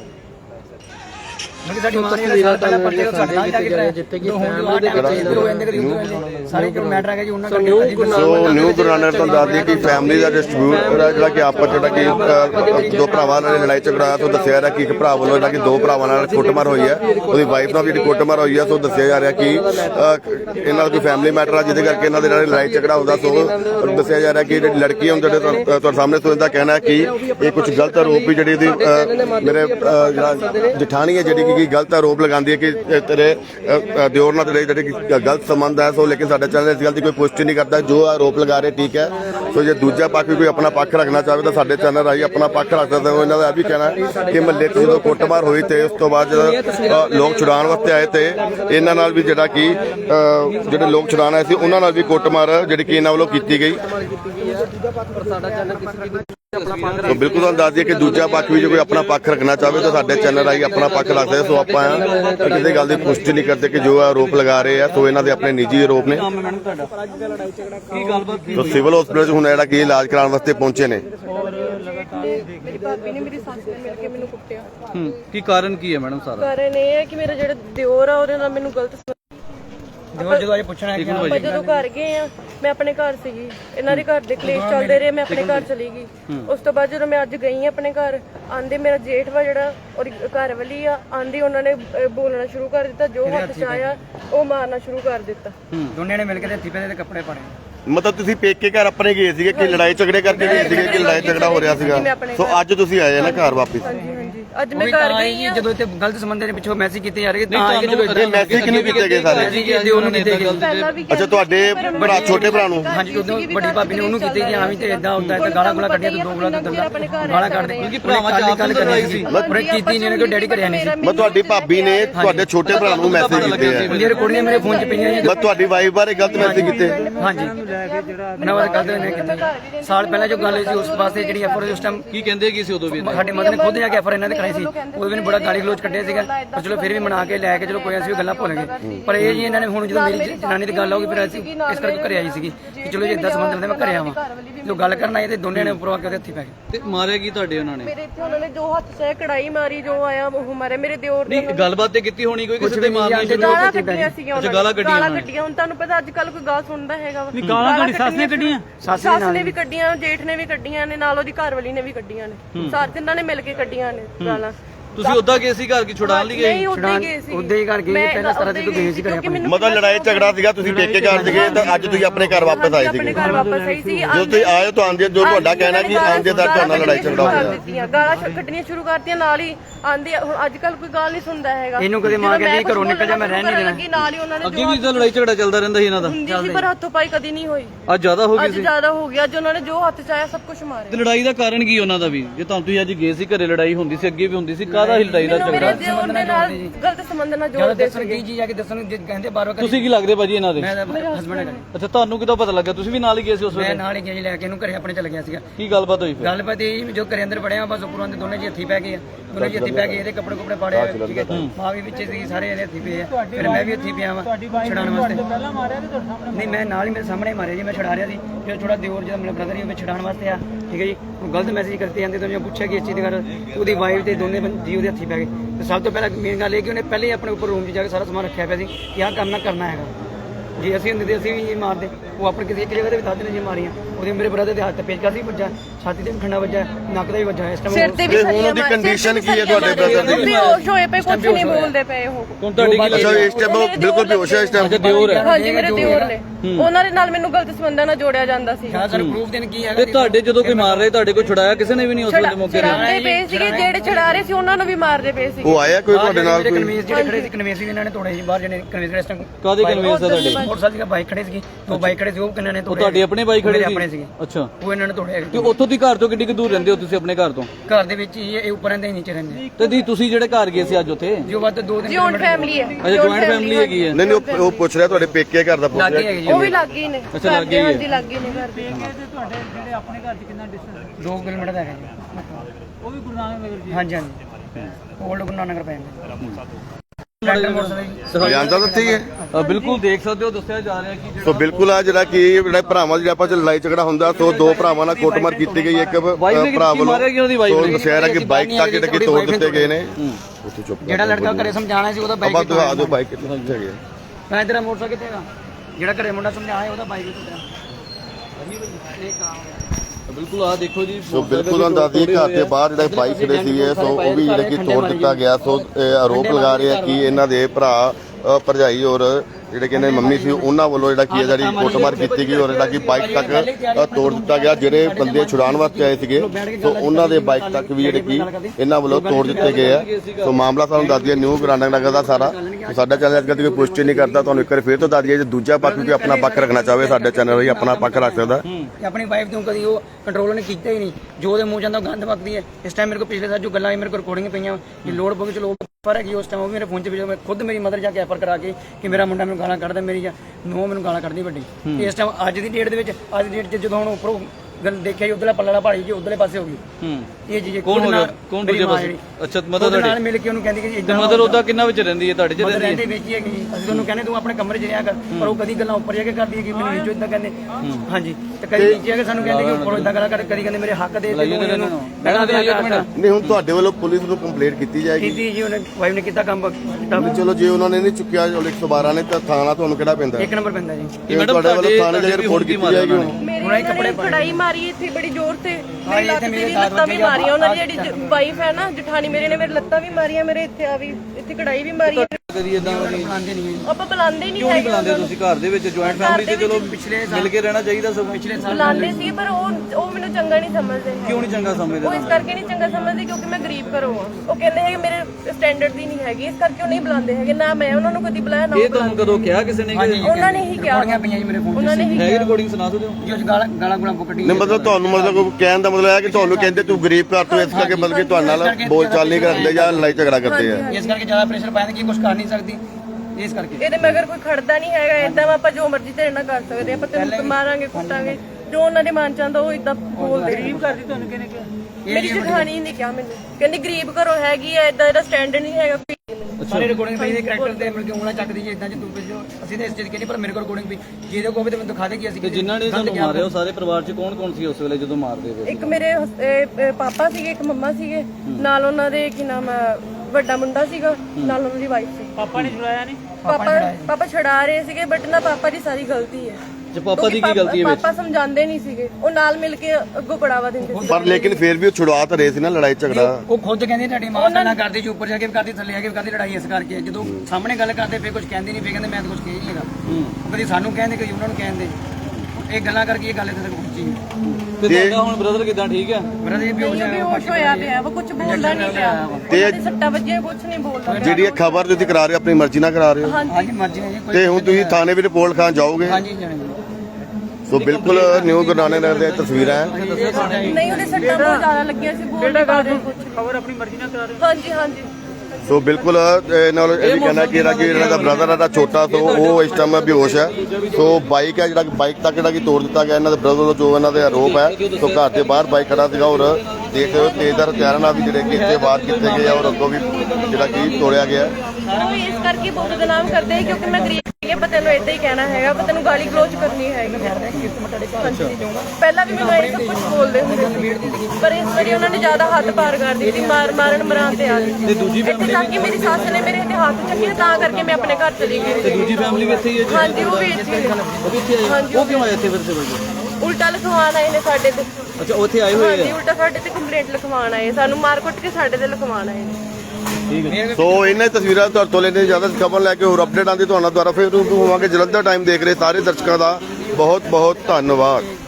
S2: ਸਾਡੀ ਮਾਂ ਨੇ ਪਹਿਲਾਂ ਪਰਚੇ ਸਾਡੇ ਨਾਲ ਜਾ ਕੇ ਕਰਾਇਆ, ਜਿੱਥੇ ਕਿ ਫੈਮਿਲੀ ਦੇ ਵਿੱਚ ਸਾਰੇ ਜੋ ਮੈਟਰ ਹੈਗਾ ਜੀ ਉਹਨਾਂ ਦਾ।
S4: ਸੋ ਨਿਊ ਗੁਰੂ ਨਾਨਕ ਤੋਂ ਦੱਸਦੀ ਕਿ ਫੈਮਿਲੀ ਦਾ ਡਿਸਟ੍ਰੀਬਿਊਟ ਜਿਹੜਾ ਕਿ ਆਪਸ ਜਿਹੜਾ ਕਿ ਦੋ ਭਰਾਵਾਂ ਨਾਲ ਲੜਾਈ ਝਗੜਾ ਤੋਂ ਦੱਸਿਆ ਰਿਹਾ ਕਿ ਇੱਕ ਭਰਾ ਵੱਲੋਂ ਜਿਹੜਾ ਕਿ 2 ਭਰਾਵਾਂ ਨਾਲ ਕੁੱਟਮਾਰ ਹੋਈ ਹੈ, ਉਹਦੀ ਵਾਈਫ ਨਾਲ ਵੀ ਜਿਹੜੀ ਕੁੱਟਮਾਰ ਹੋਈ ਹੈ। ਸੋ ਦੱਸਿਆ ਜਾ ਰਿਹਾ ਕਿ ਇਹਨਾਂ ਦਾ ਕੋਈ ਫੈਮਿਲੀ ਮੈਟਰ ਆ ਜਿਹਦੇ ਕਰਕੇ ਇਹਨਾਂ ਦੇ ਨਾਲ ਲੜਾਈ ਝਗੜਾ ਹੁੰਦਾ। ਸੋ ਦੱਸਿਆ ਜਾ ਰਿਹਾ ਕਿ ਜਿਹੜੀ ਲੜਕੀ ਹੈ ਜਿਹੜੇ ਤੁਹਾਡੇ ਸਾਹਮਣੇ ਤੋਂ ਇਹਦਾ ਕਹਿਣਾ ਹੈ ਕਿ ਇਹ ਕੁਝ ਗਲਤ ਆਰੋਪ ਵੀ ਜਿਹੜੀ ਮੇਰੇ ਜਿਹੜਾ ਜਠਾਣੀ ਹੈ ਜਿਹੜੀ ਕਿ ਗਲਤ ਆਰੋਪ ਲਗਾਉਂਦੀ ਹੈ ਕਿ ਤੇਰੇ ਦਿਓਰ ਨਾਲ ਤੇਰੇ ਜਿਹੜੇ ਗਲਤ ਸੰਬੰਧ ਹੈ। ਸੋ ਲੇਕਿਨ ਸਾਡਾ ਚੈਨਲ ਇਸ ਗੱਲ ਦੀ ਕੋਈ ਪੁਸ਼ਟੀ ਨਹੀਂ ਕਰਦਾ, ਜੋ ਆਰੋਪ ਲਗਾ ਰਹੇ ਠੀਕ ਹੈ। ਸੋ ਜੇ ਦੂਜਾ ਪੱਖ ਵੀ ਕੋਈ ਆਪਣਾ ਪੱਖ ਰੱਖਣਾ ਚਾਹਵੇ ਤਾਂ ਸਾਡੇ ਚੈਨਲ ਰਾਹੀਂ ਆਪਣਾ ਪੱਖ ਰੱਖ ਸਕਦੇ ਹੋ। ਇਹਨਾਂ ਦਾ ਇਹ ਵੀ ਕਹਿਣਾ ਕਿ ਮਹੱਲੇ 'ਚ ਜਦੋਂ ਕੁੱਟਮਾਰ ਹੋਈ ਤੇ ਉਸ ਤੋਂ ਬਾਅਦ ਜਦੋਂ ਲੋਕ ਛੁਡਾਉਣ ਵਾਸਤੇ ਆਏ ਤੇ ਇਹਨਾਂ ਨਾਲ ਵੀ ਜਿਹੜਾ ਕਿ ਜਿਹੜੇ ਲੋਕ ਛੁਡਾਉਣ ਆਏ ਸੀ ਉਹਨਾਂ ਨਾਲ ਵੀ ਕੁੱਟਮਾਰ ਜਿਹੜੀ ਕਿ ਇਹਨਾਂ ਵੱਲੋਂ ਕੀਤੀ ਗਈ। ਸੋ ਬਿਲਕੁਲ ਤੁਹਾਨੂੰ ਦੱਸ ਦਈਏ ਕਿ ਦੂਜਾ ਪੱਖ ਵੀ ਜੇ ਕੋਈ ਆਪਣਾ ਪੱਖ ਰੱਖਣਾ ਚਾਹਵੇ ਤਾਂ ਸਾਡੇ ਚੈਨਲ ਰਾਹੀਂ ਆਪਣਾ ਪੱਖ ਰੱਖ ਸਕਦੇ। ਸੋ ਆਪਾਂ ਕਿਸੇ ਗੱਲ ਦੀ ਪੁਸ਼ਟੀ ਨਹੀਂ ਕਰਦੇ ਕਿ ਜੋ ਆਰੋਪ ਲਗਾ ਰਹੇ ਆ ਸੋ ਇਹਨਾਂ ਦੇ ਆਪਣੇ ਨਿੱਜੀ ਆਰੋਪ ਨੇ। ਸੋ ਸਿਵਲ ਹਸਪੀਟਲ 'ਚ ਹੁਣ ਜਿਹੜਾ ਕਿ ਇਲਾਜ ਕਰਾਉਣ ਵਾਸਤੇ ਪਹੁੰਚੇ ਨੇ।
S3: ਮੇਰੀ ਭਾਬੀ ਨੇ ਮੇਰੀ ਸੱਸ ਨੇ ਮਿਲ ਕੇ ਮੈਨੂੰ ਕੁੱਟਿਆ।
S6: ਕੀ ਕਾਰਨ ਕੀ ਹੈ ਮੈਡਮ? ਸਾਰਾ
S3: ਕਾਰਨ ਇਹ ਹੈ ਕਿ ਮੇਰਾ ਜਿਹੜਾ ਦਿਓਰ ਆ ਉਹਦੇ ਨਾਲ ਮੈਨੂੰ ਗਲਤ
S2: ਜਦੋਂ ਅੱਜ ਪੁੱਛਣਾ ਹੈ
S3: ਆਪਾਂ ਜਦੋਂ ਘਰ ਗਏ ਆ ਮੈਂ ਆਪਣੇ ਘਰ ਸੀਗੀ, ਇਹਨਾਂ ਦੇ ਘਰ ਦੇ ਕਲੇਸ਼ ਚੱਲਦੇ ਰਹੇ, ਮੈਂ ਆਪਣੇ ਘਰ ਚਲੀ ਗਈ। ਉਸ ਤੋਂ ਬਾਅਦ ਜਦੋਂ ਮੈਂ ਅੱਜ ਗਈ ਆਪਣੇ ਘਰ ਆਂਦੇ ਮੇਰਾ ਜੇਠ ਵਾ ਜਿਹੜਾ ਔਰ ਘਰ ਵਾਲੀ ਆ ਆਂਦੀ ਉਹਨਾਂ ਨੇ ਬੋਲਣਾ ਸ਼ੁਰੂ ਕਰ ਦਿੱਤਾ, ਜੋ ਹੱਥ 'ਚ ਆਇਆ ਉਹ ਮਾਰਨਾ ਸ਼ੁਰੂ ਕਰ ਦਿੱਤਾ।
S2: ਦੋਨੇ ਨੇ ਮਿਲ ਕੇ ਤੇ ਹੱਥੀ ਪੈਦੇ ਦੇ ਕੱਪੜੇ ਪਾੜੇ।
S4: ਮਤਲਬ ਤੁਸੀਂ ਪੇਕੇ ਘਰ ਆਪਣੇ ਗਏ ਸੀਗੇ ਕਿ ਲੜਾਈ ਝਗੜੇ ਕਰਕੇ ਗਏ ਸੀਗੇ ਕਿ ਲੜਾਈ ਝਗੜਾ ਹੋ ਰਿਹਾ ਸੀਗਾ, ਸੋ ਅੱਜ ਤੁਸੀਂ ਆਏ ਨਾ ਘਰ ਵਾਪਸ।
S3: ਹਾਂਜੀ ਹਾਂਜੀ ਅੱਜ ਮੈਂ ਘਰ ਗਈ ਆ।
S2: ਜਦੋਂ ਇੱਥੇ ਗਲਤ ਸੰਬੰਧਾਂ ਦੇ ਪਿੱਛੋਂ ਮੈਸੇਜ ਕੀਤੇ ਜਾ ਰਹੇ ਤਾਂ ਆ ਕੇ ਜਦੋਂ
S4: ਇਹ ਮੈਸੇਜ ਕਿੰਨੇ ਕੀਤੇ ਗਏ ਸਾਰੇ?
S2: ਜੀ ਉਹਨੂੰ ਕੀਤੇ ਗਏ।
S3: ਪਹਿਲਾਂ ਵੀ
S4: ਅੱਛਾ ਤੁਹਾਡੇ ਭਰਾ ਛੋਟੇ ਭਰਾ ਨੂੰ?
S2: ਹਾਂਜੀ ਉਦੋਂ ਵੱਡੀ ਭਾਬੀ ਨੇ ਉਹਨੂੰ ਕੀਤੇ ਕਿ ਹਾਂ ਵੀ ਤੇ ਇਦਾਂ ਹੁੰਦਾ ਹੈ, ਗਾਲਾਂ ਗੁਲਾ ਕੱਢੀਆਂ ਤੇ ਦੋ ਗੁਲਾ ਤੇ ਗਾਲਾਂ ਕੱਢਦੇ ਕਿਉਂਕਿ ਭਰਾਵਾਂ ਚ ਗੱਲ ਕਰੀ ਸੀ ਪਰ ਕੀਤੀ ਨਹੀਂ ਕਿ ਡੈਡੀ ਕਰਿਆ ਨਹੀਂ ਸੀ।
S4: ਮੈਂ ਤੁਹਾਡੀ ਭਾਬੀ ਨੇ ਤੁਹਾਡੇ ਛੋਟੇ ਭਰਾ ਨੂੰ ਮੈਸੇਜ ਕੀਤੇ ਆ?
S2: ਮੇਰੀ ਰਿਕਾਰਡਿੰਗ ਮੇਰੇ ਫੋਨ 'ਚ ਪਈਆਂ
S4: ਮੈਂ ਤੁਹਾਡੀ ਵਾਈਫ ਬਾਰੇ ਗਲਤ ਮੈਸੇਜ ਕੀਤੇ?
S2: ਹਾਂਜੀ ਨਵਾਂ ਗਲਤ ਨੇ ਕੀਤੀ। ਸਾਲ ਪਹਿਲਾਂ ਜੋ ਗੱਲ ਸੀ ਉਸ ਪਾਸੇ ਜਿਹੜੀ ਐਫਰ ਉਸ ਟਾਈਮ
S5: ਕੀ ਕਹਿੰਦੇ ਕੀ ਸੀ ਉਦੋਂ ਵੀ
S2: ਸਾਡੇ ਮਦਰ ਨੇ ਖੁਦ ਜਾ ਕੇ ਐਫਰ ਇਹਨਾਂ ਦੇ ਕਰਾਈ ਸੀ, ਉਹ ਵੀ ਬੜਾ ਗਾਲੀ ਗਲੋਚ ਕੱਢਿਆ ਸੀਗਾ ਪਰ ਚਲੋ ਫਿਰ ਵੀ ਮਨਾ ਕੇ ਲੈ ਕੇ ਚਲੋ ਕੋਈ ਅਸੀਂ ਗੱਲਾਂ ਭੁੱਲ ਗਏ। ਪਰ ਇਹ ਜੀ ਇਹਨਾਂ ਨੇ ਹੁਣ ਜਦੋਂ ਮੇਰੀ ਜਨਾਨੀ ਦੀ ਗੱਲ ਆਉਗੀ ਫਿਰ ਅਸੀਂ ਇਸ ਕਰਕੇ ਘਰੇ ਆਈ ਸੀਗੀ ਕਿ ਚਲੋ ਜੇ 10 ਬੰਦੇ ਮੈਂ ਘਰੇ ਆਵਾਂ, ਜੋ ਗੱਲ ਕਰਨ ਆਏ ਤੇ ਦੋਨੇ ਨੇ ਉੱਪਰੋਂ ਆ ਕੇ ਉਹਦੇ ਹੱਥੀ ਪੈ ਗਏ।
S5: ਤੇ ਮਾਰਿਆ ਕੀ ਤੁਹਾਡੇ ਉਹਨਾਂ ਨੇ?
S3: ਮੇਰੇ ਇੱਥੇ ਉਹਨਾਂ ਨੇ ਜੋ ਹੱਥ 'ਚ ਕੜਾਈ ਮਾਰੀ, ਜੋ ਆਇਆ ਉਹ ਮਾਰਿਆ। ਮੇਰੇ ਦਿਓਰ ਨੇ
S5: ਨਹੀਂ ਗੱਲਬਾਤ ਤੇ ਕੀਤੀ ਹੋਣੀ ਕੋਈ ਕਿਸੇ ਦੇ ਮਾਰਨੀ ਸ਼ੁਰੂ
S3: ਗਾਲਾਂ ਕੱਢੀਆਂ ਸੀਗੀਆਂ ਉਹਨਾਂ ਨੇ।
S5: ਗਾਲਾਂ
S3: ਕੱਢੀਆਂ। ਹੁਣ ਤੁਹਾਨੂੰ ਪਤਾ ਅੱਜ ਕੱਲ ਕੋਈ ਗਾਲ ਸੁਣਦਾ ਹੈਗਾ ਵਾ?
S1: ਗਾਲਾਂ ਕੱਢੀ ਸੱਸ ਨੇ ਕੱਢੀਆਂ,
S3: ਸੱਸ ਨੇ ਵੀ ਕੱਢੀਆਂ, ਜੇਠ ਨੇ ਵੀ ਕੱਢੀਆਂ ਨੇ, ਨਾਲ ਉਹਦੀ ਘਰ ਵਾਲੀ ਨੇ ਵੀ ਕੱਢੀਆਂ ਨੇ, ਸਾਰੇ ਤਿੰਨਾਂ ਨੇ ਮਿਲ ਕੇ ਕੱਢੀਆਂ ਨੇ ਗਾਲਾਂ।
S5: ਤੁਸੀਂ ਉਦਾਂ ਗਏ ਸੀ ਘਰ ਕੀ ਛੁਡਾਉਣ ਲਈ ਗਏ?
S3: ਨਹੀਂ ਉੱਦਾਂ ਹੀ ਗਏ ਸੀ,
S2: ਉੱਦਾਂ ਹੀ ਘਰ ਗਏ ਪਹਿਲਾਂ ਸਾਰਾ ਦਿਨ ਗਏ ਸੀ ਘਰੇ ਆਪਣੇ।
S4: ਮਤਲਬ ਲੜਾਈ ਝਗੜਾ ਸੀਗਾ, ਤੁਸੀਂ ਪੇਕੇ ਘਰ ਸੀਗੇ ਤਾਂ ਅੱਜ ਤੁਸੀਂ ਆਪਣੇ ਘਰ ਵਾਪਸ ਆਏ ਸੀਗੇ?
S3: ਆਪਣੇ ਘਰ ਵਾਪਸ ਆਈ ਸੀ।
S4: ਜਦੋਂ ਤੁਸੀਂ ਆਏ ਤਾਂ ਆਂਦੇ ਜੋ ਤੁਹਾਡਾ ਕਹਿਣਾ ਕਿ ਆਂਦੇ ਦਾ ਤੁਹਾਡਾ ਲੜਾਈ ਝਗੜਾ ਹੋਇਆ,
S3: ਗਾਲਾਂ ਕੱਢਣੀਆਂ ਸ਼ੁਰੂ ਕਰਤੀਆਂ ਨਾਲ ਹੀ ਆਂਦੇ। ਹੁਣ ਅੱਜ ਕੱਲ ਕੋਈ ਗਾਲ ਨਹੀਂ ਸੁਣਦਾ ਹੈਗਾ।
S2: ਇਹਨੂੰ ਕਦੇ ਮਾਂ ਕਹਿੰਦੀ ਘਰੋਂ ਨਿਕਲ ਜਾ ਮੈਂ ਰਹਿਣ ਨਹੀਂ ਦੇਣਾ।
S3: ਨਾਲ ਹੀ ਉਹਨਾਂ ਨੇ
S5: ਅੱਗੇ ਵੀ ਤਾਂ ਲੜਾਈ ਝਗੜਾ ਚੱਲਦਾ ਰਹਿੰਦਾ ਸੀ ਇਹਨਾਂ ਦਾ,
S3: ਹੁੰਦੀ ਸੀ ਪਰ ਹੱਥੋਂ ਪਾਈ ਕਦੀ ਨਹੀਂ ਹੋਈ।
S5: ਅੱਜ ਜ਼ਿਆਦਾ ਹੋ ਗਈ
S3: ਅੱਜ ਜ਼ਿਆਦਾ ਹੋ ਗਿਆ, ਅੱਜ ਉਹਨਾਂ ਨੇ ਜੋ ਹੱਥ 'ਚ ਆਇਆ ਸਭ ਕੁਝ ਮਾਰਿਆ।
S5: ਤੇ ਲੜਾਈ ਦਾ ਕਾਰਨ ਕੀ ਉਹਨਾਂ ਦਾ ਵੀ? ਜੇ ਤੁਹਾਨੂੰ ਤੁਸੀਂ ਅੱਜ ਗਏ ਸੀ ਘਰੇ ਲੜਾਈ ਹੁੰਦੀ ਸੀ, ਅੱਗੇ ਵੀ ਹੁੰਦੀ ਸੀ, ਕਾਹਦਾ ਹੀ ਲੜਾਈ ਦਾ ਝਗੜਾ?
S3: ਮੇਰੇ ਦਿਓਰ ਦੇ ਨਾਲ ਗਲਤ ਸੰਬੰਧ ਨਾਲ ਜੋੜਦੇ
S2: ਦੱਸਣ ਕੀ ਚੀਜ਼ ਆ ਕੇ ਦੱਸਣ ਕਹਿੰਦੇ ਬਾਰ-ਬਾਰ
S5: ਤੁਸੀਂ ਕੀ ਲੱਗਦੇ ਭਾਜੀ ਇਹਨਾਂ ਦੇ?
S2: ਮੈਂ ਹਸਬੰਡ ਹੈਗਾ।
S5: ਅੱਛਾ ਤੁਹਾਨੂੰ ਕਿਦੋਂ ਪਤਾ ਲੱਗਾ? ਤੁਸੀਂ ਵੀ ਨਾਲ ਹੀ ਗਏ ਸੀ ਉਸ
S2: ਮੈਂ
S5: ਵੇਲੇ?
S2: ਨਾਲ ਹੀ ਗਿਆ ਜੀ ਲੈ ਕੇ ਇਹਨੂੰ ਘਰੇ ਆਪਣੇ ਚਲ ਗਿਆ ਸੀਗਾ।
S5: ਕੀ ਗੱਲਬਾਤ ਹੋਈ ਫਿਰ?
S2: ਗੱਲਬਾਤ ਇਹ ਜੀ ਜੋ ਘਰੇ ਅੰਦਰ ਵੜਿਆ ਬਸ ਉੱਪਰੋਂ ਦੇ ਦੋਨੇ ਜੀ ਹੱਥੀ ਪੈ ਗਏ ਆ, ਦੋਨੇ ਜੀ ਹੱਥੀ ਪੈ ਗਏ, ਇਹਦੇ ਕੱਪੜੇ ਕੁਪੜੇ ਪਾੜੇ ਹੋਏ, ਠੀਕ ਹੈ, ਮਾਂ ਵੀ ਵਿੱਚ ਸੀ, ਸਾਰੇ ਇਹਦੇ ਹੱਥੀ ਪਏ ਆ, ਫਿਰ ਮੈਂ ਵੀ ਹੱਥੀ ਪਿਆ ਵਾਂ ਛਡਾਉਣ ਵਾਸਤੇ।
S1: ਪਹਿਲਾਂ ਮਾਰਿਆ ਤੇ ਤੁਹਾਡੇ ਸਾਹਮਣੇ
S2: ਨਹੀਂ ਮੈਂ ਨਾਲ ਹੀ ਮੇਰੇ ਸਾਹਮਣੇ ਮਾਰਿਆ ਜੀ, ਮੈਂ ਛਡਾ ਰਿਹਾ ਸੀ ਜੋ ਥੋੜਾ ਦਿਓਰ ਜਿਹੜਾ ਮੇਰਾ ਬ੍ਰਦਰ ਹੀ ਉਹ ਛਡਾਉਣ ਵਾਸਤੇ ਆ, ਠੀਕ ਹੈ ਜੀ। ਉਹ ਗਲਤ ਮੈਸੇਜ ਕਰਤੇ ਜਾਂਦੇ ਤਾਂ ਪੁੱਛਿਆ ਕਿ ਇਸ ਚੀਜ਼ ਦੀ ਗੱਲ, ਉਹਦੀ ਵਾਈਫ ਤੇ ਦੋਨੇ ਜੀ ਉਹਦੇ ਹੱਥੀ ਪੈ ਗਏ। ਤੇ ਸਭ ਤੋਂ ਪਹਿਲਾਂ ਮੇਨ ਗੱਲ ਇਹ ਕਿ ਉਹਨੇ ਪਹਿਲੇ ਹੀ ਆਪਣੇ ਉੱਪਰ ਰੂਮ 'ਚ ਜਾ ਕੇ ਸਾਰਾ ਸਮਾਨ ਰੱਖਿਆ ਪਿਆ ਸੀ ਕਿ ਆਹ ਕੰਮ ਨਾ ਕਰਨਾ ਹੈਗਾ। ਜੇ ਅਸੀਂ ਹੁੰਦੇ ਤੇ ਅਸੀਂ ਵੀ ਮਾਰਦੇ। ਉਹ ਆਪਣੇ ਕਿਸੇ ਇੱਕ ਜਗ੍ਹਾ ਤੇ ਵੀ ਦੱਸਦੇ ਨੇ ਜੇ ਮਾਰੀਆਂ ਉਹਦੇ ਮੇਰੇ ਬ੍ਰਦਰ ਦੇ ਹੱਥ ਤੇ ਪੇਚਕਾ ਸੀ ਵੱਜਾ, ਛਾਤੀ ਤੇ ਵੀ ਖੰਡਾ ਵੱਜਾ, ਨੱਕ ਦਾ ਵੀ ਵੱਜਾ। ਇਸ
S3: ਸਿਰ ਤੇ ਵੀ
S4: ਹੁਣ ਉਹਦੀ ਕੰਡੀਸ਼ਨ ਕੀ ਹੈ ਤੁਹਾਡੇ ਬ੍ਰਦਰ ਦੀ?
S3: ਬੇਹੋਸ਼ ਹੋਏ ਪਏ, ਕੁਝ ਨਹੀਂ ਬੋਲਦੇ ਪਏ ਉਹ।
S5: ਹੁਣ ਤੁਹਾਡੀ ਕੀ
S4: ਅੱਛਾ ਇਸ ਟਾਈਮ ਉਹ ਬਿਲਕੁਲ ਬੇਹੋਸ਼ ਹੈ ਇਸ ਟਾਈਮ?
S5: ਦਿਓਰ ਹੈ?
S3: ਹਾਂਜੀ ਮੇਰੇ ਦਿਓਰ ਨੇ, ਉਹਨਾਂ ਦੇ ਨਾਲ ਮੈਨੂੰ ਗਲਤ ਸੰਬੰਧਾਂ ਨਾਲ ਜੋੜਿਆ ਜਾਂਦਾ ਸੀ।
S2: ਸਰ ਪ੍ਰੂਫ ਦੇਣ ਕੀ ਹੈਗਾ?
S5: ਤੇ ਤੁਹਾਡੇ ਜਦੋਂ ਕੋਈ ਮਾਰ ਰਿਹਾ ਤੁਹਾਡੇ ਕੋਈ ਛੁਡਾਇਆ ਕਿਸੇ ਨੇ ਵੀ ਨਹੀਂ ਉਸ ਵੇਲੇ ਮੌਕੇ ਤੇ?
S3: ਚੜਾਉਂਦੇ ਪਏ ਸੀਗੇ, ਜਿਹੜੇ ਚੜਾ ਰਹੇ ਸੀ ਉਹਨਾਂ ਨੂੰ ਵੀ ਮਾਰਦੇ ਪਏ ਸੀ।
S4: ਉਹ ਆਇਆ ਕੋਈ ਤੁਹਾਡੇ ਨਾਲ? ਕੋਈ
S2: ਕਨਵੀਨਸ ਜਿਹੜੇ ਖੜੇ ਸੀ, ਕਨਵੀਨਸ ਵੀ ਇਹਨਾਂ ਨੇ ਤੋੜੇ ਸੀ ਬਾਹਰ ਜਿਹੜੇ ਕਨਵੀਨਸ ਇਸ ਟਾਈਮ
S5: ਕਾਹਦੇ ਕਨਵੀਨਸ ਆ ਤੁਹਾਡੇ?
S2: ਮੋਟਰਸਾਈਕਲ ਦੀ ਬਾਈਕ ਖੜੇ ਸੀ, ਦੋ ਬਾਈਕ ਖੜੇ ਸੀ, ਉਹ ਕਿੰਨਾਂ ਨੇ ਤੋੜੇ?
S5: ਤੁਹਾਡੇ ਆਪਣੇ ਬਾਈ ਖੜੇ
S2: ਆਪਣੇ
S5: ਸੀ?
S2: ਸੀਗੇ।
S5: ਅੱਛਾ
S2: ਉਹ ਇਹਨਾਂ ਨੇ ਤੋੜੇ।
S5: ਤੇ ਉੱਥੋਂ ਦੀ ਘਰ ਤੋਂ ਕਿੰਨੀ ਕੁ ਦੂਰ ਰਹਿੰਦੇ ਹੋ ਤੁਸੀਂ ਆਪਣੇ ਘਰ ਤੋਂ?
S2: ਘਰ ਦੇ ਵਿੱਚ ਹੀ ਇਹ ਉੱਪਰ ਰਹਿੰਦੇ ਹੀ ਨੀਚੇ ਰਹਿੰਦੇ।
S5: ਤੇ ਦੀ ਤੁਸੀਂ ਜਿਹੜੇ ਘਰ ਗਏ ਸੀ ਅੱਜ ਉੱਥੇ?
S2: ਜੋ ਵੱਧ 2 ਦਿਨ
S3: ਜੁਆਇੰਟ ਫੈਮਿਲੀ ਹੈ।
S5: ਅੱਛਾ ਜੁਆਇੰਟ ਫੈਮਿਲੀ ਹੈਗੀ ਹੈ?
S4: ਨਹੀਂ ਨਹੀਂ ਉਹ ਪੁੱਛ ਰਿਹਾ ਤੁਹਾਡੇ ਪੇਕੇ ਘਰ ਦਾ ਪੁੱਛ
S2: ਲੱਗੇ
S4: ਰਿਹਾ।
S2: ਹੈਗੇ ਜੀ
S3: ਉਹ ਵੀ ਲੱਗ ਗਈ ਨੇ।
S5: ਅੱਛਾ, ਲੱਗ ਗਈ ਹੈ।
S3: ਹਾਂਜੀ ਲੱਗ ਗਈ ਨੇ ਘਰ ਦੇ।
S1: ਤੇ ਤੁਹਾਡੇ ਜਿਹੜੇ ਆਪਣੇ ਘਰ 'ਚ ਕਿੰਨਾ ਡਿਸਟੈਂਸ?
S2: 2 ਕਿਲੋਮੀਟਰ ਦਾ ਹੈਗਾ ਜੀ।
S1: ਉਹ ਵੀ ਗੁਰੂ ਨਾਨਕ ਨਗਰ ਜੀ?
S2: ਹਾਂਜੀ ਹਾਂਜੀ ਓਲਡ ਗੁਰੂ ਨਾਨਕ ਪੈ ਜਾਂਦਾ।
S4: ਬਿਆਨ ਤਾਂ ਦਿੱਤੀ ਹੈ?
S5: ਬਿਲਕੁਲ ਦੇਖ ਸਕਦੇ ਹੋ, ਦੱਸਿਆ ਜਾ ਰਿਹਾ ਕਿ
S4: ਸੋ ਬਿਲਕੁਲ ਆ ਜਿਹੜਾ ਕਿ ਜਿਹੜਾ ਭਰਾਵਾਂ ਦੀ ਆਪਾਂ ਚ ਲੜਾਈ ਝਗੜਾ ਹੁੰਦਾ, ਸੋ ਦੋ ਭਰਾਵਾਂ ਨਾਲ ਕੁੱਟਮਾਰ ਕੀਤੀ ਗਈ, ਇੱਕ ਭਰਾ ਵੱਲੋਂ ਸੋ ਦੱਸਿਆ ਰਿਹਾ ਕਿ ਬਾਈਕ ਤੱਕ ਜਿਹੜੇ ਕਿ ਤੋੜ ਦਿੱਤੇ ਗਏ ਨੇ। ਉੱਥੇ ਚੁੱਪ
S2: ਜਿਹੜਾ ਲੜਕਾ ਘਰੇ ਸਮਝਾਣਾ ਸੀ ਉਹਦਾ ਬਾਈਕ
S4: ਆਪਾਂ ਦਿਖਾ ਦਿਓ ਬਾਈਕ ਕਿੱਥੇ ਹੈਗੇ?
S2: ਮੈਂ ਤੇਰਾ ਮੋਟਰਸਾਈਕਲ ਕਿੱਥੇ ਹੈਗਾ? ਜਿਹੜਾ ਘਰੇ ਮੁੰਡਾ ਸਮਝਾਇਆ ਉਹਦਾ ਬਾਈਕ ਕਿੱਥੇ?
S5: ਬਿਲਕੁਲ ਆ ਦੇਖੋ ਜੀ।
S4: ਸੋ ਬਿਲਕੁਲ ਤੁਹਾਨੂੰ ਦੱਸ ਦਈਏ ਘਰ ਦੇ ਬਾਹਰ ਜਿਹੜੇ ਬਾਈਕ ਖੜੇ ਸੀਗੇ ਸੋ ਉਹ ਵੀ ਜਿਹੜੇ ਕਿ ਤੋੜ ਦਿੱਤਾ ਗਿਆ। ਸੋ ਇਹ ਆਰੋਪ ਲਗਾ ਰਹੇ ਆ ਕਿ ਇਹਨਾਂ ਦੇ ਭਰਾ ਭਰਜਾਈ ਔਰ ਜਿਹੜੇ ਕਿ ਇਹਨਾਂ ਦੀ ਮੰਮੀ ਸੀ ਉਹਨਾਂ ਵੱਲੋਂ ਜਿਹੜਾ ਕੀ ਹੈ ਜਿਹੜੀ ਕੁੱਟਮਾਰ ਕੀਤੀ ਗਈ ਔਰ ਜਿਹੜਾ ਕਿ ਬਾਈਕ ਤੱਕ ਤੋੜ ਦਿੱਤਾ ਗਿਆ। ਜਿਹੜੇ ਬੰਦੇ ਛੁਡਾਉਣ ਵਾਸਤੇ ਆਏ ਸੀਗੇ ਸੋ ਉਹਨਾਂ ਦੇ ਬਾਈਕ ਤੱਕ ਵੀ ਜਿਹੜੇ ਕਿ ਇਹਨਾਂ ਵੱਲੋਂ ਤੋੜ ਦਿੱਤੇ ਗਏ ਆ। ਸੋ ਮਾਮਲਾ ਸਾਨੂੰ ਦੱਸ ਦਈਏ ਨਿਊ ਗੁਰੂ ਨਾਨਕ ਨਗਰ ਦਾ ਸਾਰਾ। ਸਾਡਾ ਚੈਨਲ ਅੱਜ ਕੱਲ੍ਹ ਕੋਈ ਪੁਸ਼ਟੀ ਨਹੀਂ ਕਰਦਾ, ਤੁਹਾਨੂੰ ਇੱਕ ਵਾਰ ਫਿਰ ਤੋਂ ਦੱਸ ਦਈਏ ਜੇ ਦੂਜਾ ਪੱਖ ਕੋਈ ਆਪਣਾ ਪੱਖ ਰੱਖਣਾ ਚਾਹਵੇ ਸਾਡੇ ਚੈਨਲ ਲਈ ਆਪਣਾ ਪੱਖ ਰੱਖ ਸਕਦਾ।
S2: ਆਪਣੀ ਵਾਈਫ ਤੋਂ ਕਦੀ ਉਹ ਕੰਟਰੋਲ ਨੇ ਕੀਤਾ ਹੀ ਨਹੀਂ, ਜੋ ਉਹਦੇ ਮੂੰਹ ਜਾਂਦਾ ਉਹ ਗੰਦ ਵਗਦੀ ਹੈ। ਇਸ ਟਾਈਮ ਮੇਰੇ ਕੋਲ ਪਿਛਲੇ ਸਾਲ ਜੋ ਗੱਲਾਂ ਮੇਰੇ ਕੋਲ ਰਿਕਾਰਡਿੰਗ ਪਈਆਂ, ਜੇ ਲੋੜ ਪਵੇ ਚਲੋ ਪਰ ਹੈਗੀ ਉਸ ਟਾਈਮ ਉਹ ਮੇਰੇ ਫੋਨ 'ਚ ਵੀ ਮੈਂ ਖੁਦ ਮੇਰੀ ਮਦਰ ਜਾ ਕੇ ਐਫਰ ਕਰਾ ਕੇ ਕਿ ਮੇਰਾ ਮੁੰਡਾ ਮੈਨੂੰ ਗਾਲਾਂ ਕੱਢਦਾ, ਮੇਰੀ ਨੂੰਹ ਮੈਨੂੰ ਗਾਲਾਂ ਕੱਢਦੀ ਵੱਡੀ। ਤੇ ਇਸ ਟਾਈਮ ਅੱਜ ਦੀ ਡੇਟ ਦੇ ਵਿੱਚ ਅੱਜ ਦੀ ਡੇਟ 'ਚ ਜਦੋਂ ਹੁਣ ਉੱਪਰੋਂ ਗੱਲ ਦੇਖਿਆ ਜੀ ਉਧਰਲਾ ਪੱਲਾ ਪਹਾੜੀ ਜੀ ਉਧਰਲੇ ਪਾਸੇ ਹੋ ਗਈ ਇਹ ਜੀ
S5: ਕੌਣ ਹੋ ਗਿਆ ਕੌਣ ਦੂਜੇ ਪਾਸੇ ਅੱਛਾ ਮਦਰ
S2: ਨਾਲ
S5: ਤੁਹਾਡੀ
S2: ਮਿਲ ਕੇ ਉਹਨੂੰ ਕਹਿੰਦੀ ਕਿ
S5: ਤੇ ਮਦਰ ਉਹਦਾ ਕਿੰਨਾ ਵਿੱਚ ਰਹਿੰਦੀ ਹੈ ਤੁਹਾਡੇ ਚ
S2: ਮਦਰ
S5: ਰਹਿੰਦੀ
S2: ਰਹਿੰਦੇ ਵਿੱਚ ਹੀ ਹੈਗੀ ਜੀ। ਅਸੀਂ ਤੁਹਾਨੂੰ ਕਹਿੰਦੇ ਤੂੰ ਆਪਣੇ ਕਮਰੇ 'ਚ ਰਿਹਾ ਕਰ ਪਰ ਉਹ ਕਦੀ ਗੱਲਾਂ ਉੱਪਰ ਜਾ ਕੇ ਕਰਦੀ ਹੈ ਕਿ ਮੈਨੂੰ ਨੀਚੇ ਇਦਾਂ ਕਹਿੰਦੇ ਹਾਂਜੀ ਤੇ ਕਦੀ ਨੀਚੇ ਆ ਕੇ ਸਾਨੂੰ ਕਹਿੰਦੇ ਕਿ ਉੱਪਰੋਂ ਇਦਾਂ ਗੱਲਾਂ ਕਰ ਕਦੀ ਕਹਿੰਦੇ ਮੇਰੇ ਹੱਕ ਦੇ ਤੇ
S4: ਨਹੀਂ ਹੁਣ ਤੁਹਾਡੇ ਵੱਲੋਂ ਪੁਲਿਸ ਨੂੰ ਕੰਪਲੇਂਟ ਕੀਤੀ ਜਾਏਗੀ
S2: ਕੀਤੀ ਜੀ ਉਹਨੇ ਵਾਈਫ ਨੇ ਕੀਤਾ ਕੰਮ ਕੀਤਾ
S4: ਚਲੋ ਜੇ ਉਹਨਾਂ ਨੇ ਨਹੀਂ ਚੁੱਕਿਆ 112 ਨੇ ਤਾਂ ਥਾਣਾ ਤੁਹਾਨੂੰ ਕਿਹੜਾ ਪੈਂਦਾ
S2: ਇੱਕ ਨੰਬਰ ਪੈਂਦਾ ਜੀ
S4: ਇਹ ਤੁਹਾਡੇ ਵੱਲੋਂ ਥਾਣੇ ਜਾ ਕੇ ਰਿਪੋਰਟ ਕੀਤੀ ਜਾਏਗੀ ਹੁਣ
S3: ਮੇਰੇ ਇਹਨਾਂ ਨੇ ਕੜਾਈ ਮਾਰੀ ਇੱਥੇ ਬੜੀ ਜ਼ੋਰ ਤੇ ਮੇਰੀ ਲੱਤ ਤੇ ਵੀ ਲੱਤਾਂ ਵੀ ਮਾਰੀਆਂ ਉਹਨਾਂ ਦੀ ਜਿਹੜੀ ਵਾਈਫ ਹੈ ਨਾ ਜਠਾਣੀ ਮੇਰੇ ਨੇ ਮੇਰੇ ਲੱਤਾਂ ਵੀ ਮਾਰੀਆਂ ਮੇਰੇ ਇੱਥੇ ਆ ਵੀ ਇੱਥੇ ਕੜਾਈ ਵੀ ਮਾਰੀ ਹੈ।
S5: ਕਦੀ ਇਦਾਂ
S2: ਖਾਂਦੇ ਨਹੀਂ
S3: ਆਪਾਂ ਬੁਲਾਉਂਦੇ ਨਹੀਂ
S5: ਕਿਉਂ ਨਹੀਂ
S3: ਹੈਗੇ
S5: ਬੁਲਾਉਂਦੇ ਤੁਸੀਂ ਘਰ ਦੇ ਵਿੱਚ ਜੁਆਇੰਟ ਫੈਮਿਲੀ ਤੇ ਚਲੋ ਮਿਲ ਕੇ ਰਹਿਣਾ ਚਾਹੀਦਾ ਸਭ ਪਿਛਲੇ
S3: ਬੁਲਾਉਂਦੇ ਸੀ ਪਰ ਉਹ ਮੈਨੂੰ ਚੰਗਾ ਨਹੀਂ ਸਮਝਦੇ
S5: ਕਿਉਂ ਨਹੀਂ ਚੰਗਾ ਸਮਝਦੇ
S3: ਉਹ ਇਸ ਕਰਕੇ ਨਹੀਂ ਚੰਗਾ ਸਮਝਦੇ ਕਿਉਂਕਿ ਮੈਂ ਗਰੀਬ ਘਰੋਂ ਆ ਉਹ ਕਹਿੰਦੇ ਹੈ ਕਿ ਮੇਰੇ ਸਟੈਂਡਰਡ ਦੀ ਨਹੀਂ ਹੈਗੀ ਇਸ ਕਰਕੇ ਉਹ ਨਹੀਂ ਬੁਲਾਉਂਦੇ ਹੈਗੇ ਨਾ ਮੈਂ ਉਹਨਾਂ ਨੂੰ ਕਦੀ ਬੁਲਾਇਆ ਨਾ
S5: ਇਹ ਤੁਹਾਨੂੰ ਕਦੋਂ ਕਿਹਾ ਕਿਸੇ ਨੇ ਕਿ
S3: ਉਹਨਾਂ ਨੇ ਹੀ ਕਿਹਾ
S2: ਪਈਆਂ ਜੀ ਮੇਰੇ ਫੋਨ
S3: ਉਹਨਾਂ ਨੇ ਹੀ
S5: ਹੈਗੀ ਰਿਕਾਰਡਿੰਗ ਸੁਣਾ ਸਕਦੇ ਹੋ
S2: ਜੋ ਗਾਲਾਂ ਗੁਲਾਂ ਕੱਢੀ
S4: ਨਹੀਂ ਮਤਲਬ ਤੁਹਾਨੂੰ ਮਤਲਬ ਕਹਿਣ ਦਾ ਮਤਲਬ ਹੈ ਕਿ ਤੁਹਾਨੂੰ ਕਹਿੰਦੇ ਤੂੰ ਗਰੀਬ ਘਰ ਤੋਂ ਇਸ ਕਰਕੇ ਮਤਲਬ ਕਿ ਤੁਹਾਡੇ ਨਾਲ ਬੋਲ ਚਾਲ ਨਹੀਂ ਕਰਦੇ ਜਾਂ ਲੜਾਈ ਝਗੜਾ ਕਰਦੇ ਆ
S2: ਇਸ ਕਰਕੇ ਜ਼ਿਆਦਾ ਪ੍ਰੈਸ਼ਰ ਪਾਇਆ ਕਿ ਕੁਝ ਕਰ ਨਹੀਂ ਸਕਦੀ ਇਸ ਕਰਕੇ
S3: ਇਹਦੇ ਮਗਰ ਕੋਈ ਖੜਦਾ ਨਹੀਂ ਹੈਗਾ ਇਦਾਂ ਆਪਾਂ ਜੋ ਮਰਜ਼ੀ ਤੇਰੇ ਨਾਲ ਕਰ ਸਕਦੇ ਆਪਾਂ ਤੈਨੂੰ ਮਾਰਾਂਗੇ ਕੁੱਟਾਂਗੇ ਜੋ ਉਹਨਾਂ ਦੇ ਮਨ ਚਾਹੁੰਦਾ ਉਹ ਇਦਾਂ ਬੋਲਦੇ ਗਰੀਬ ਕਰਦੀ ਤੁਹਾਨੂੰ ਕਿਹਨੇ ਕਿਹਾ ਮੇਰੀ ਜਠਾਣੀ ਨੇ ਕਿਹਾ ਮੈਨੂੰ ਕਹਿੰਦੀ ਗਰੀਬ ਘਰੋਂ ਹੈਗੀ ਆ ਇਦਾਂ ਇਹਦਾ ਸਟੈਂਡਰਡ ਨਹੀਂ ਹੈਗਾ
S2: ਸਾਰੇ ਰਿਕਾਰਡਿੰਗ ਪਈ ਦੇ ਕੈਰੈਕਟਰ ਤੇ ਮਿਲ ਕੇ ਉਂਗਲਾਂ ਚੱਕਦੀ ਜੀ ਇਦਾਂ ਚ ਤੂੰ ਭੇਜੋ ਅਸੀਂ ਤਾਂ ਇਸ ਚੀਜ਼ ਕਹਿੰਦੇ ਪਰ ਮੇਰੇ ਕੋਲ ਰਿਕਾਰਡਿੰਗ ਪਈ ਜਿਹਦੇ ਕੋਲ ਵੀ ਤੇ ਮੈਨੂੰ ਦਿਖਾ ਦੇ ਕਿ ਅਸੀਂ
S5: ਤੇ ਜਿਨ੍ਹਾਂ ਨੇ ਤੁਹਾਨੂੰ ਮਾਰਿਆ ਉਹ ਸਾਰੇ ਪਰਿਵਾਰ ਚ ਕੌਣ ਕੌਣ ਸੀ ਉਸ ਵੇਲੇ ਜਦੋਂ ਮਾਰਦੇ ਪਏ
S3: ਇੱਕ ਮੇਰੇ ਪਾਪਾ ਸੀਗੇ ਇੱਕ ਮੰਮਾ ਸੀਗੇ ਨਾਲ ਉਹਨਾਂ ਦੇ ਕੀ ਨਾਮ ਵੱਡਾ ਮੁੰਡਾ ਸੀਗਾ ਨਾਲ ਉਹਨਾਂ ਦੀ ਵਾਈਫ ਸੀ
S1: ਪਾਪਾ ਨੇ ਛੁਡਾਇਆ ਨਹੀਂ
S3: ਪਾਪਾ ਛੁਡਾ ਰਹੇ ਸੀਗੇ ਬਟ ਨਾ ਪਾਪਾ ਦੀ ਸਾਰੀ ਗਲਤੀ ਹੈ
S5: ਜੇ ਪਾਪਾ ਦੀ ਕੀ ਗਲਤੀ ਹੈ ਵਿੱਚ
S3: ਪਾਪਾ ਸਮਝਾਉਂਦੇ ਨਹੀਂ ਸੀਗੇ ਉਹ ਨਾਲ ਮਿਲ ਕੇ ਅੱਗੋਂ ਬੜਾਵਾ ਦਿੰਦੇ ਸੀ
S4: ਪਰ ਲੇਕਿਨ ਫਿਰ ਵੀ ਉਹ ਛੁਡਵਾ ਤਾਂ ਰਹੇ ਸੀ ਨਾ ਲੜਾਈ ਝਗੜਾ
S2: ਉਹ ਖੁਦ ਕਹਿੰਦੇ ਤੁਹਾਡੀ ਮਾਂ ਨਾਲ ਕਰਦੀ ਜੀ ਉੱਪਰ ਜਾ ਕੇ ਵੀ ਕਰਦੀ ਥੱਲੇ ਆ ਕੇ ਵੀ ਕਰਦੀ ਲੜਾਈ ਇਸ ਕਰਕੇ ਜਦੋਂ ਸਾਹਮਣੇ ਗੱਲ ਕਰਦੇ ਫੇਰ ਕੁਝ ਕਹਿੰਦੇ ਨਹੀਂ ਫੇਰ ਕਹਿੰਦੇ ਮੈਂ ਤਾਂ ਕੁਝ ਕਹਿ ਨਹੀਂ ਹੈਗਾ ਕਦੀ ਸਾਨੂੰ ਕਹਿੰਦੇ ਕਦੀ ਉਹਨਾਂ ਨੂੰ ਕਹਿੰਦੇ ਇਹ ਗੱਲਾਂ ਕਰਕੇ ਇਹ ਗੱਲ ਇੱਥੇ ਤੱਕ ਪਹੁੰਚੀ
S5: ਤੇ ਤੁਹਾਡਾ ਹੁਣ ਬ੍ਰਦਰ ਕਿਦਾਂ ਠੀਕ ਹੈ
S2: ਮੇਰਾ ਇਹ ਵੀ ਹੋ
S3: ਬੇਹੋਸ਼ ਹੋਇਆ ਪਿਆ ਉਹ ਕੁਝ ਬੋਲਦਾ ਨਹੀਂ ਪਿਆ
S4: ਤੇ
S3: ਉਹਦੀ ਸੱਟਾਂ ਵੱਜੀਆਂ ਕੁਝ ਨਹੀਂ ਬੋਲਦਾ
S4: ਜਿਹੜੀ ਇਹ ਖਬਰ ਤੁਸੀਂ ਕਰਾ ਰਹੇ ਹੋ ਆਪਣੀ ਮਰਜ਼ੀ ਨਾਲ ਕਰਾ ਰਹੇ ਹੋ
S2: ਹਾਂਜੀ ਮਰਜ਼ੀ ਹੈ ਜੀ
S4: ਤੇ ਹੁਣ ਤੁਸੀਂ ਥਾਣੇ ਵੀ ਰਿਪੋਰਟ ਖਾਨ ਜਾਓਗੇ
S2: ਹਾਂਜੀ ਜਾਣੀ
S4: ਸੋ ਬਿਲਕੁਲ ਨਿਊ ਗੁਰੂ ਨਾਨਕ ਨਗਰ ਦੀਆਂ ਤਸਵੀਰਾਂ ਹੈ
S3: ਨਹੀਂ ਉਹਦੇ ਸੱਟਾਂ ਬਹੁਤ ਜ਼ਿਆਦਾ ਲੱਗੀਆਂ ਸੀ ਬੋਲ ਨਹੀਂ ਪਾ ਰਹੇ ਕੁਝ
S1: ਖਬਰ ਆਪਣੀ ਮਰਜ਼ੀ ਨਾਲ ਕਰਾ ਰਹੇ
S3: ਹਾਂਜੀ ਹਾਂਜੀ
S4: ਸੋ ਬਿਲਕੁਲ ਨਾਲ ਇਹ ਵੀ ਕਹਿਣਾ ਕਿ ਇਹਨਾਂ ਦਾ ਬ੍ਰਦਰ ਦਾ ਛੋਟਾ ਸੋ ਉਹ ਇਸ ਟਾਈਮ ਬੇਹੋਸ਼ ਹੈ ਸੋ ਬਾਈਕ ਹੈ ਜਿਹੜਾ ਬਾਈਕ ਤੱਕ ਜਿਹੜਾ ਕਿ ਤੋੜ ਦਿੱਤਾ ਗਿਆ ਇਹਨਾਂ ਦੇ ਬ੍ਰਦਰ ਦਾ ਜੋ ਇਹਨਾਂ ਦੇ ਆਰੋਪ ਹੈ ਸੋ ਘਰ ਦੇ ਬਾਹਰ ਬਾਈਕ ਖੜਾ ਸੀਗਾ ਔਰ ਦੇਖ ਰਹੇ ਹੋ ਤੇਜ਼ਦਾਰ ਹਥਿਆਰਾਂ ਨਾਲ ਵੀ ਜਿਹੜੇ ਕਿ ਇੱਥੇ ਵਾਰ ਕੀਤੇ ਗਏ ਔਰ ਅੱਗੋਂ ਵੀ ਜਿਹੜਾ ਕਿ ਤੋੜਿਆ ਗਿਆ
S3: ਉਹ ਇਸ ਕਰਕੇ ਬਹੁਤ ਬਦਨਾਮ ਕਰਦੇ ਆ ਕਿਉਂਕਿ ਮੈਂ ਗਰੀਬ ਸੀਗੇ ਪਰ ਤੈਨੂੰ ਏਦਾਂ ਹੀ ਕਹਿਣਾ ਹੈਗਾ ਪਰ ਤੈਨੂੰ ਗਾਲੀ ਗਲੋਚ ਕਰਨੀ ਹੈਗੀ ਪਹਿਲਾਂ ਵੀ ਮੈਨੂੰ ਇਹ ਸਭ ਕੁਝ ਬੋਲਦੇ ਹੁੰਦੇ ਸੀ ਪਰ ਇਸ ਵਾਰੀ ਉਹਨਾਂ ਨੇ ਜ਼ਿਆਦਾ ਹੱਥ ਪਾਰ ਕਰ ਦਿੱਤੀ ਮਾਰਨ ਮਰਾਨ ਤੇ ਆ ਗਈ
S5: ਤੇ ਦੂਜੀ
S3: ਇੱਥੇ ਤੱਕ ਕਿ ਮੇਰੀ ਸੱਸ ਨੇ ਮੇਰੇ ਤੇ ਹੱਥ ਚੱਕੇ ਤਾਂ ਕਰਕੇ ਮੈਂ ਆਪਣੇ ਘਰ ਚਲੀ ਗਈ
S5: ਤੇ ਦੂਜੀ ਫੈਮਿਲੀ ਵੀ ਇੱਥੇ ਹੀ ਹੈ ਜੀ
S3: ਹਾਂਜੀ ਉਹ ਵੀ ਇੱਥੇ ਹੀ ਨੇ।
S5: ਉਹ ਵੀ ਇੱਥੇ ਆਏ
S3: ਹਾਂਜੀ,
S5: ਉਹ ਕਿਉਂ ਆਏ ਇੱਥੇ ਫਿਰ ਸੇ ਵਜੇ
S3: ਉਲਟਾ ਲਿਖਵਾਉਣ ਆਏ ਨੇ ਸਾਡੇ ਤੇ
S5: ਅੱਛਾ ਉੱਥੇ ਆਏ ਹੋਏ
S3: ਹਾਂਜੀ
S5: ਆ
S3: ਉਲਟਾ ਸਾਡੇ ਤੇ ਕੰਪਲੇਂਟ ਲਿਖਵਾਉਣ ਆਏ ਸਾਨੂੰ ਮਾਰ ਕੁੱਟ ਕੇ ਸਾਡੇ ਤੇ ਲਿਖਵਾਉਣ ਆਏ ਨੇ
S5: ਠੀਕ ਹੈ
S4: ਸੋ ਇਹਨਾਂ ਹੀ ਤਸਵੀਰਾਂ ਤੁਹਾਡੇ ਤੋਂ ਲੈਣੇ ਜ਼ਿਆਦਾ ਖਬਰ ਲੈ ਕੇ ਹੋਰ ਅਪਡੇਟ ਆਉਂਦੀ ਤੁਹਾਡਾ ਦੁਆਰਾ ਫਿਰ ਰੂਬਰੂ ਹੋਵਾਂਗੇ ਜਲੰਧਰ ਟਾਈਮ ਦੇਖ ਰਹੇ ਸਾਰੇ ਦਰਸ਼ਕਾਂ ਦਾ ਬਹੁਤ ਬਹੁਤ ਧੰਨਵਾਦ।